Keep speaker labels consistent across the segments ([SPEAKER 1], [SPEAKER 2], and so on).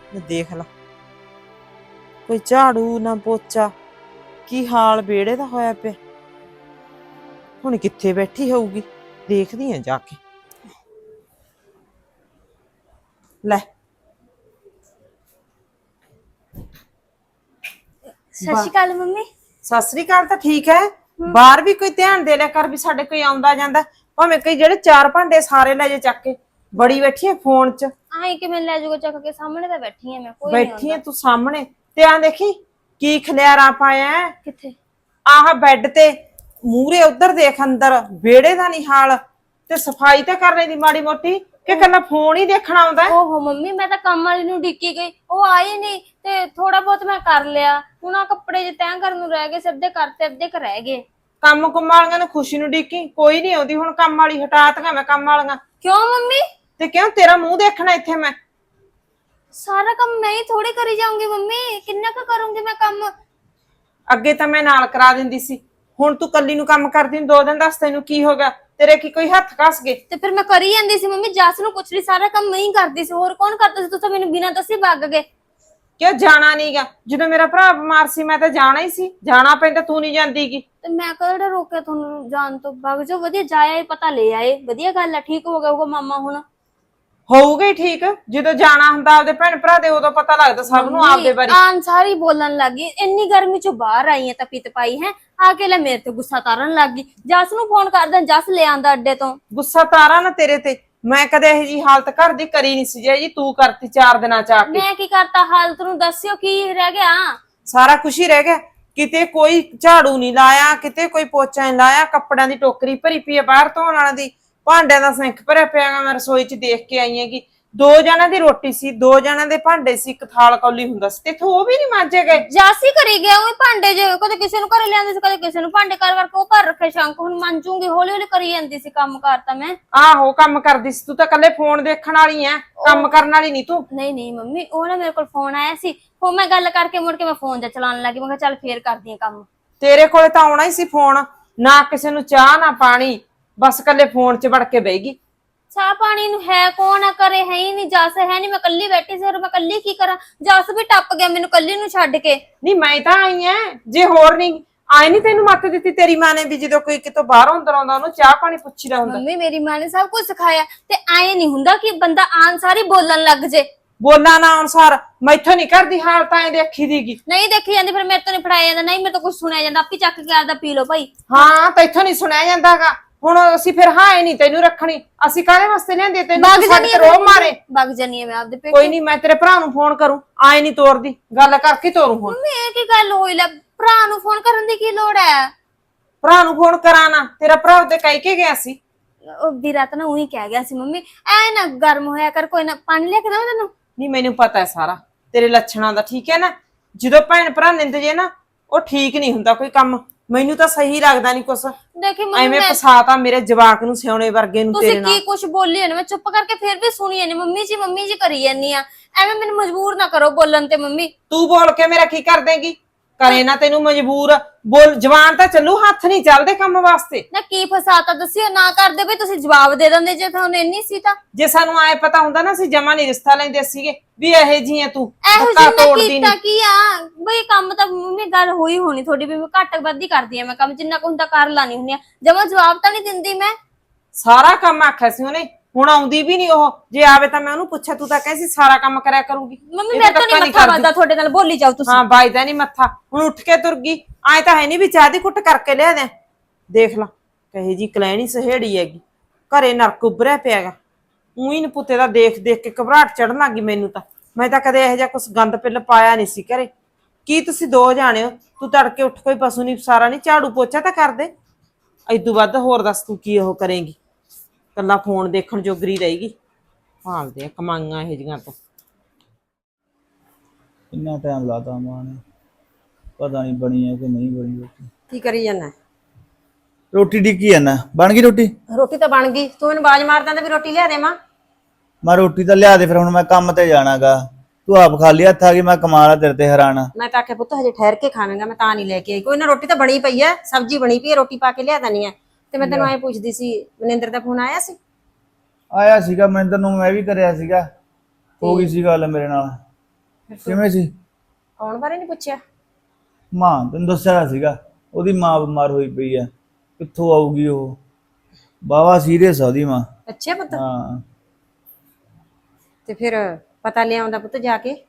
[SPEAKER 1] देख ला कोई झाड़ू ना पोचा की हाल बेड़े दा होया पे हुण कित्थे बैठी होऊगी देखदी आ जाके ले
[SPEAKER 2] सत श्री अकाल मम्मी।
[SPEAKER 1] सत श्री अकाल तो ठीक है बाहर भी कोई ध्यान दे लिया कर भी साडे कोई आउंदा जांदा भावें कई जेड़े चार भांडे सारे ले जे चक के बड़ी बैठी है फोन च
[SPEAKER 2] आई कि मैं ले जाऊंगा चक के सामने तो बैठी है मैं कोई
[SPEAKER 1] बैठी है तू सामने ते आ देखी की खलियारा पाया है
[SPEAKER 2] किथे
[SPEAKER 1] आह बेड ते मूरे उधर देख अंदर बेड़े दा नहीं हाल ते सफाई ते करने दी माड़ी मोटी कि कन्ना फोन ही देखना आउंदा है।
[SPEAKER 2] ओहो मम्मी मैं तो काम वाली नु डिक्की गई ओ आई नहीं ते थोड़ा बहुत मैं कर लिया हुण आ कपड़े जे तैं करन नु रह गए सबदे करते अद्धे क रह गए
[SPEAKER 1] ਕੰਮ ਕੁੰਮ ਵਾਲੀਆਂ ਨੂੰ ਖੁਸ਼ੀ ਨੂੰ ਡੀਕੀ ਕੋਈ ਨਹੀਂ ਆਉਂਦੀ ਹੁਣ ਕੰਮ ਵਾਲੀ ਹਟਾਤਗਾ ਮੈਂ ਕੰਮ ਵਾਲੀਆਂ
[SPEAKER 2] क्यों मम्मी
[SPEAKER 1] ਤੇ ਕਿਉਂ ਤੇਰਾ ਮੂੰਹ ਦੇਖਣਾ ਇੱਥੇ ਮੈਂ
[SPEAKER 2] सारा काम मैं ही थोड़ी करी जाऊंगी मम्मी किन्ना का करूंगी मैं काम
[SPEAKER 1] ਅੱਗੇ ਤਾਂ ਮੈਂ ਨਾਲ ਕਰਾ ਦਿੰਦੀ ਸੀ ਹੁਣ ਤੂੰ ਕੱਲੀ ਨੂੰ ਕੰਮ ਕਰਦੀ ਨੂੰ 2 ਦਿਨ ਦੱਸ ਤੈਨੂੰ ਕੀ ਹੋ ਗਿਆ ਤੇਰੇ ਕੀ ਕੋਈ ਹੱਥ ਕੱਸ ਗਏ
[SPEAKER 2] ਤੇ ਫਿਰ ਮੈਂ ਕਰੀ ਜਾਂਦੀ ਸੀ ਮੰਮੀ ਜੱਸ ਨੂੰ ਪੁੱਛ ਲਈ ਸਾਰਾ ਕੰਮ ਮੈਂ ਹੀ ਕਰਦੀ ਸੀ ਹੋਰ ਕੌਣ ਕਰਦਾ ਸੀ ਤੁਸੀਂ ਮੈਨੂੰ ਬਿਨਾਂ ਦੱਸੇ ਭੱਗ ਗਏ
[SPEAKER 1] ਕਿਉਂ ਜਾਣਾ ਨਹੀਂਗਾ ਜਦੋਂ ਮੇਰਾ ਭਰਾ ਬਿਮਾਰ ਸੀ ਮੈਂ ਤਾਂ ਜਾਣਾ ਹੀ ਸੀ ਜਾਣਾ ਪੈਂਦਾ ਤੂੰ ਨਹੀਂ ਜਾਂਦੀਗੀ
[SPEAKER 2] ਤੇ ਮੈਂ ਕਿਹੜਾ ਰੋਕਿਆ ਤੁਹਾਨੂੰ ਜਾਣ ਤੋਂ ਭੱਗ ਜਾਓ ਵਧੀਆ ਜਾਇਆ ਹੀ ਪਤਾ ਲੈ ਆਏ ਵਧੀਆ ਗੱਲ ਹੈ ਠੀਕ ਹੋ ਗਿਆ ਹੋਊਗਾ ਮਾਮਾ ਹੁਣ
[SPEAKER 1] ਹੋਊਗਾ ਹੀ ਠੀਕ ਜਦੋਂ ਜਾਣਾ ਹੁੰਦਾ ਆਪਦੇ ਭੈਣ ਭਰਾ ਦੇ ਉਦੋਂ ਪਤਾ ਲੱਗਦਾ ਸਭ ਨੂੰ ਆਪਦੇ ਬਾਰੇ
[SPEAKER 2] ਆਨ ਸਾਰੀ ਬੋਲਣ ਲੱਗੀ ਇੰਨੀ ਗਰਮੀ ਚੋਂ ਬਾਹਰ ਆਈ ਹੈ ਤਾਂ ਪਿੱਤ ਪਾਈ ਹੈ ਆ ਕੇ ਲੈ ਮੇਰੇ ਤੇ ਗੁੱਸਾ ਤਾਰਨ ਲੱਗੀ ਜੱਸ ਨੂੰ ਫੋਨ ਕਰਦਾ ਜੱਸ ਲੈ ਆਂਦਾ ਅੱਡੇ ਤੋਂ
[SPEAKER 1] ਗੁੱਸਾ ਤਾਰਾ ਨਾ ਤੇਰੇ ਤੇ ਮੈਂ ਕਦੇ ਇਹ ਜੀ ਹਾਲਤ ਘਰ ਦੀ ਕਰੀ ਨਹੀਂ ਸੀ ਜੀ ਤੂੰ ਕਰਤੀ 4 ਦਿਨਾਂ ਚ ਆ ਕੇ
[SPEAKER 2] ਮੈਂ ਕੀ ਕਰਤਾ ਹਾਲਤ ਨੂੰ ਦੱਸਿਓ ਕੀ ਰਹਿ ਗਿਆ
[SPEAKER 1] ਸਾਰਾ ਕੁਛ ਹੀ ਰਹਿ ਗਿਆ ਕਿਤੇ ਕੋਈ ਝਾੜੂ ਨਹੀਂ ਲਾਇਆ ਕਿਤੇ ਕੋਈ ਪੋਚਾ ਨਹੀਂ ਲਾਇਆ ਕੱਪੜਿਆਂ ਦੀ ਟੋਕਰੀ ਭਰੀ ਪਈ ਹੈ ਬਾਹਰ ਧੋਣ ਵਾਲਿਆਂ ਦੀ ਭਾਂਡਿਆਂ ਦਾ ਸਿੰਕ ਭਰਿਆ ਪਿਆ ਮੈਂ ਰਸੋਈ 'ਚ ਦੇਖ ਕੇ ਆਈ ਹੈਗੀ 2 ਜਣਾਂ ਦੀ ਰੋਟੀ ਸੀ 2 ਜਣਾਂ ਦੇ ਭਾਂਡੇ ਸੀ ਇੱਕ ਥਾਲ ਕੌਲੀ ਹੁੰਦਾ ਸੀ ਤੇ ਉਹ ਵੀ ਨਹੀਂ ਮਾਂਜੇ ਗਏ
[SPEAKER 2] ਜੱਸ ਹੀ ਕਰੀ ਗਿਆ ਉਹ ਭਾਂਡੇ ਜੇ ਕਦੇ ਕਿਸੇ ਨੂੰ ਘਰੇ ਲਿਆਂਦੇ ਸੀ ਕਦੇ ਕਿਸੇ ਨੂੰ ਭਾਂਡੇ ਕਰ ਕਰਕੇ ਉਹ ਘਰ ਰੱਖੇ ਸ਼ੰਕ ਹੁਣ ਮੰਜੂਗੀ ਹੌਲੀ ਹੌਲੀ ਕਰੀ ਜਾਂਦੀ ਸੀ ਕੰਮ ਕਰਤਾ ਮੈਂ
[SPEAKER 1] ਆਹੋ ਕੰਮ ਕਰਦੀ ਸੀ ਤੂੰ ਤਾਂ ਕੱਲੇ ਫੋਨ ਦੇਖਣ ਵਾਲੀ ਐ ਕੰਮ ਕਰਨ ਵਾਲੀ ਨਹੀਂ ਤੂੰ
[SPEAKER 2] ਨਹੀਂ ਨਹੀਂ ਮੰਮੀ ਉਹ ਨਾ ਮੇਰੇ ਕੋਲ ਫੋਨ ਆਇਆ ਸੀ ਉਹ ਮੈਂ ਗੱਲ ਕਰਕੇ ਮੁੜ ਕੇ ਮੈਂ ਫੋਨ ਤੇ ਚਲਾਉਣ ਲੱਗੀ ਮੈਂ ਕਿਹਾ ਚੱਲ ਫੇਰ ਕਰਦੀ ਆ ਕੰਮ
[SPEAKER 1] ਤੇਰੇ ਕੋਲੇ ਤਾਂ ਆਉਣਾ ਹੀ ਸੀ ਫੋਨ ਨਾ ਕਿਸੇ ਨੂੰ ਚਾਹ ਨਾ ਪਾਣੀ ਬਸ ਕੱਲੇ ਫੋਨ 'ਚ ਵੜ ਕੇ ਬਹਿਗੀ
[SPEAKER 2] ਚਾਹ ਪਾਣੀ ਨੂੰ ਹੈ ਕੌਣ ਆ ਕਰੇ ਹੈ ਹੀ ਨਹੀਂ ਜੱਸ ਹੈ ਨਹੀਂ ਮੈਂ ਕੱਲੀ ਬੈਠੀ ਸੀ ਹੋਰ ਮੈਂ ਕੱਲੀ ਕੀ ਕਰਾਂ ਜੱਸ ਵੀ ਟੱਪ ਗਿਆ ਮੈਨੂੰ ਕੱਲੀ ਨੂੰ ਛੱਡ ਕੇ
[SPEAKER 1] ਨਹੀਂ ਮੈਂ ਤਾਂ ਆਈ ਐ ਜੇ ਹੋਰ ਨਹੀਂ ਆਈ ਨਹੀਂ ਤੈਨੂੰ ਮੱਤ ਦਿੱਤੀ ਤੇਰੀ ਮਾਂ ਨੇ ਵੀ ਜਦੋਂ ਕੋਈ ਕਿਤੋਂ ਬਾਹਰੋਂ ਅੰਦਰ ਆਉਂਦਾ ਉਹਨੂੰ ਚਾਹ ਪਾਣੀ ਪੁੱਛੀਦਾ ਹੁੰਦਾ
[SPEAKER 2] ਮੰਮੀ ਮੇਰੀ ਮਾਂ ਨੇ ਸਭ ਕੁਝ ਸਿਖਾਇਆ ਤੇ ਐ ਨਹੀਂ ਹੁੰਦਾ ਕਿ ਬੰਦਾ ਆਨ ਸਾਰੀ ਬੋਲਣ ਲੱਗ ਜੇ
[SPEAKER 1] ਬੋਲਾਂ ਨਾ ਅਨੁਸਾਰ ਮੈਥੋਂ ਨਹੀਂ ਕਰਦੀ ਹਾਲਤ ਐ ਦੇਖੀ ਦੀਗੀ
[SPEAKER 2] ਨਹੀਂ ਦੇਖੀ ਜਾਂਦੀ ਫਿਰ ਮੇਰੇ ਤੋਂ ਨਹੀਂ ਫੜਾਇਆ ਜਾਂਦਾ ਨਹੀਂ ਮੇਰੇ ਤੋਂ ਕੁਝ ਸੁਣਿਆ ਜਾਂਦਾ ਆਪੀ ਚੱਕ ਕੇ ਆਪਦਾ ਪੀ ਲਓ ਭਾਈ
[SPEAKER 1] ਹਾਂ ਤੈਥੋਂ ਨਹੀਂ ਸੁਣਿਆ ਜਾਂਦਾਗਾ ਹੁਣ ਅਸੀਂ ਫਿਰ ਹਾਂ ਨਹੀਂ ਤੈਨੂੰ ਰੱਖਣੀ ਅਸੀਂ ਕਾਹਦੇ ਵਾਸਤੇ ਲਿਆਂਦੇ ਤੈਨੂੰ ਸਾਡੇ ਤੇ ਰੋਹ ਮਾਰੇ
[SPEAKER 2] ਵਗ ਜਾਨੀ ਮੈਂ ਆਪਦੇ ਪੇਟ
[SPEAKER 1] ਕੋਈ ਨਹੀਂ ਮੈਂ ਤੇਰੇ ਭਰਾ ਨੂੰ ਫੋਨ ਕਰੂੰ ਆਏ ਨਹੀਂ ਤੋਰਦੀ ਗੱਲ ਕਰਕੇ ਤੋਰੂ ਹੁਣ
[SPEAKER 2] ਮੰਮੀ ਇਹ ਕੀ ਗੱਲ ਹੋਈ ਲੈ ਭਰਾ ਨੂੰ ਫੋਨ ਕਰਨ ਦੀ ਕੀ ਲੋੜ ਹੈ
[SPEAKER 1] ਭਰਾ ਨੂੰ ਫੋਨ ਕਰਾਣਾ ਤੇਰਾ ਭਰਾ ਤੇ ਕਹਿ ਕੇ ਗਿਆ ਸੀ
[SPEAKER 2] ਉਹ ਵੀਰਾ ਤਾਂ ਨਾ ਉਹੀ ਕਹਿ ਗਿਆ ਸੀ ਮੰਮੀ ਐ ਨਾ ਗਰਮ ਹੋਇਆ ਕਰ ਕੋਈ ਨਾ ਪਾਣੀ ਲੈ ਕੇ ਦਵਾਂ ਤੈਨੂੰ
[SPEAKER 1] ਨਹੀਂ ਮੈਨੂੰ ਪਤਾ ਹੈ ਸਾਰਾ ਤੇਰੇ ਲੱਛਣਾਂ ਦਾ ਠੀਕ ਹੈ ਨਾ ਜਦੋਂ ਭੈਣ ਭਰਾ ਨਿੰਦ ਜੇ ਨਾ ਉਹ ਠੀਕ ਨਹੀਂ ਹੁੰਦਾ ਕੋਈ ਕੰਮ ਮੈਨੂੰ ਤਾਂ ਸਹੀ ਲੱਗਦਾ ਨਹੀਂ ਕੁਛ
[SPEAKER 2] ਦੇਖੀ ਮੰਮੀ
[SPEAKER 1] ਐਵੇਂ ਫਸਾਤਾ ਮੇਰੇ ਜਵਾਕ ਨੂੰ ਸਿਉਣੇ ਵਰਗੇ ਨੂੰ ਤੇਰੇ
[SPEAKER 2] ਤੁਸੀਂ
[SPEAKER 1] ਨਾਲ
[SPEAKER 2] ਕੀ ਕੁਝ ਬੋਲੀ ਨਾ ਮੈਂ ਚੁੱਪ ਕਰਕੇ ਫਿਰ ਵੀ ਸੁਣੀ ਜਾਂਦੀ ਮੰਮੀ ਜੀ ਕਰੀ ਜਾਂਦੀ ਆ ਐਵੇਂ ਮੈਨੂੰ ਮਜਬੂਰ ਨਾ ਕਰੋ ਬੋਲਣ ਤੇ ਮੰਮੀ
[SPEAKER 1] ਤੂੰ ਬੋਲ ਕੇ ਮੇਰਾ ਕੀ ਕਰ ਦੇਂਗੀ ਕਰੇ ਨਾ ਤੈਨੂੰ ਮਜਬੂਰ ਬੋਲ ਜਵਾਨ ਤਾਂ ਚੱਲੂ ਹੱਥ ਨਹੀਂ ਚੱਲਦੇ ਕੰਮ ਵਾਸਤੇ
[SPEAKER 2] ਨਾ ਕੀ ਫਸਾਤਾ ਦੱਸਿਓ ਨਾ ਕਰਦੇ ਬਈ ਤੁਸੀਂ ਜਵਾਬ ਦੇ ਦਿੰਦੇ ਜੇ ਤੁਹਾਨੂੰ ਇੰਨੀ ਸੀ ਤਾਂ
[SPEAKER 1] ਜੇ ਸਾਨੂੰ ਆਏ ਪਤਾ ਹੁੰਦਾ ਨਾ ਅਸੀਂ ਜਮਾ ਨਹੀਂ ਰਿਸ਼ਤਾ ਲੈਂਦੇ ਸੀਗੇ ਵੀ ਇਹੇ ਜੀ ਹੈ ਤੂੰ
[SPEAKER 2] ਇਹੋ
[SPEAKER 1] ਧੱਕਾ
[SPEAKER 2] ਜਿਹਾ
[SPEAKER 1] ਤੋੜਦੀ
[SPEAKER 2] ਕੀਤਾ
[SPEAKER 1] ਨੀ।
[SPEAKER 2] ਕੀ ਆ ਬਈ ਕੰਮ ਤਾਂ ਮੰਮੀ ਗੱਲ ਹੋਈ ਹੋਣੀ ਤੁਹਾਡੀ ਵੀ ਮੈਂ ਘੱਟ ਵੱਧ ਹੀ ਕਰਦੀ ਆ ਮੈਂ ਕੰਮ ਜਿੰਨਾ ਕੁ ਹੁੰਦਾ ਕਰ ਲਾਣੀ ਹੁੰਦੀ ਆ ਜਮਾ ਜਵਾਬ ਤਾਂ ਨਹੀਂ ਦਿੰਦੀ ਮੈਂ
[SPEAKER 1] ਸਾਰਾ ਕੰਮ ਆਖਿਆ ਸੀ ਉਹਨੇ ਹੁਣ ਆਉਂਦੀ ਵੀ ਨਹੀਂ ਉਹ ਜੇ ਆਵੇ ਤਾਂ ਮੈਂ ਉਹਨੂੰ ਪੁੱਛਿਆ ਤੂੰ ਤਾਂ ਕਹਿੰਦੀ ਸਾਰਾ ਕੰਮ ਕਰਿਆ ਕਰੂਗੀ
[SPEAKER 2] ਮੰਮੀ ਮੇਰੇ ਤੋਂ ਨਹੀਂ ਮੱਥਾ ਵੱਜਦਾ ਤੁਹਾਡੇ ਨਾਲ ਬੋਲੀ ਜਾਓ ਤੁਸੀਂ
[SPEAKER 1] ਹਾਂ ਬਾਈਦਾ ਨਹੀਂ ਮੱਥਾ ਹੁਣ ਉੱਠ ਕੇ ਤੁਰ ਗਈ ਆਏ ਤਾਂ ਹੈ ਨਹੀਂ ਵੀ ਚਾਹ ਦੀ ਕੁੱਟ ਕਰਕੇ ਲਿਆ ਦੇ ਦੇਖ ਲਾ ਕਹੇ ਜੀ ਕਲੈਣੀ ਸਹੇੜੀ ਹੈਗੀ ਘਰੇ ਨਰਕ ਉੱਭਰਿਆ ਪਿਆਗਾ ਉਹੀ ਨ ਪੁੱਤੇ ਦਾ ਦੇਖ ਦੇਖ ਕੇ ਘਬਰਾਹਟ ਚੜਨ ਲੱਗੀ ਮੈਨੂੰ ਤਾਂ ਮੈਂ ਤਾਂ ਕਦੇ ਇਹੋ ਜਿਹਾ ਕੁਛ ਗੰਦ ਪਿੱਲ ਪਾਇਆ ਨਹੀਂ ਸੀ ਘਰੇ ਕੀ ਤੁਸੀਂ 2 ਜਾਣੇ ਹੋ ਤੂੰ ਤੜਕੇ ਉੱਠ ਕੋਈ ਪਸ਼ੂ ਨਹੀਂ ਸਾਰਾ ਨਹੀਂ ਝਾੜੂ ਪੋਚਾ ਤਾਂ ਕਰ ਦੇ ਇਦੋਂ ਵੱਧ ਹੋਰ ਦੱਸ ਤੂੰ ਕੀ ਉਹ ਕਰੇਂਗੀ ਕੱਲਾ ਫੋਨ ਦੇਖਣ ਜੋਗਰੀ ਰਹੇਗੀ ਭਾਲਦੇ ਆ ਕਮਾਈਆਂ ਇਹ ਜੀਆਂ ਤੋਂ
[SPEAKER 3] ਕਿੰਨਾ ਟਾਈਮ ਲਾਤਾ ਮਾਂ ਨੇ ਪਤਾ ਨਹੀਂ ਬਣੀ ਹੈ ਕਿ ਨਹੀਂ ਬਣੀ ਰੋਟੀ
[SPEAKER 4] ਕੀ ਕਰੀ ਜਾਂਦਾ
[SPEAKER 3] ਰੋਟੀ ਡਿੱਕੀ ਆ ਨਾ ਬਣ ਗਈ ਰੋਟੀ
[SPEAKER 4] ਰੋਟੀ ਤਾਂ ਬਣ ਗਈ ਤੂੰ ਮੈਨੂੰ ਆਵਾਜ਼ ਮਾਰ ਦਿੰਦਾ ਵੀ ਰੋਟੀ ਲਿਆ ਦੇਵਾਂ
[SPEAKER 3] ਮੈਂ ਰੋਟੀ ਤਾਂ ਲਿਆ ਦੇ ਫਿਰ ਹੁਣ ਮੈਂ ਕੰਮ ਤੇ ਜਾਣਾਗਾ ਤੂੰ ਆਪ ਖਾਲੀ ਹੱਥ ਆ ਗਈ ਮੈਂ ਕਮਾਲਾ ਤੇਰੇ ਤੇ ਹੈਰਾਨ
[SPEAKER 4] ਮੈਂ ਤਾਂ ਆਖਿਆ ਪੁੱਤ ਹਜੇ ਠਹਿਰ ਕੇ ਖਾਵੇਂਗਾ ਮੈਂ ਤਾਂ ਨਹੀਂ ਲੈ ਕੇ ਆਈ ਕੋਈ ਨਾ ਰੋਟੀ ਤਾਂ ਬਣੀ ਪਈ ਐ ਸਬਜ਼ੀ ਬਣੀ ਪਈ ਐ ਰੋਟੀ ਪਾ ਕੇ ਲਿਆ ਦਨੀ ਐ ਤੇ ਮੈਂ ਤੈਨੂੰ ਐ ਪੁੱਛਦੀ ਸੀ ਮਨਿੰਦਰ ਦਾ ਫੋਨ ਆਇਆ ਸੀ
[SPEAKER 3] ਆਇਆ ਸੀਗਾ ਮਨਿੰਦਰ ਨੂੰ ਮੈਂ ਵੀ ਕਰਿਆ ਸੀਗਾ ਹੋ ਗਈ ਸੀ ਗੱਲ ਮੇਰੇ ਨਾਲ ਕਿਵੇਂ ਸੀ?
[SPEAKER 4] ਆਉਣ ਬਾਰੇ ਨਹੀਂ ਪੁੱਛਿਆ?
[SPEAKER 3] ਮਾਂ ਤੈਨੂੰ ਦੱਸਿਆ ਸੀਗਾ ਉਹਦੀ ਮਾਂ ਬਿਮਾਰ ਹੋਈ ਪਈ ਆ, ਕਿੱਥੋਂ ਆਊਗੀ ਉਹ? ਬਾਵਾ ਸੀਰੀਅਸ ਆ ਉਹਦੀ ਮਾਂ।
[SPEAKER 4] ਅੱਛਾ ਪੁੱਤ।
[SPEAKER 3] ਹਾਂ
[SPEAKER 4] ਤੇ ਫਿਰ ਪਤਾ ਲਿਆਉਂਦਾ ਪੁੱਤ ਜਾ ਕੇ।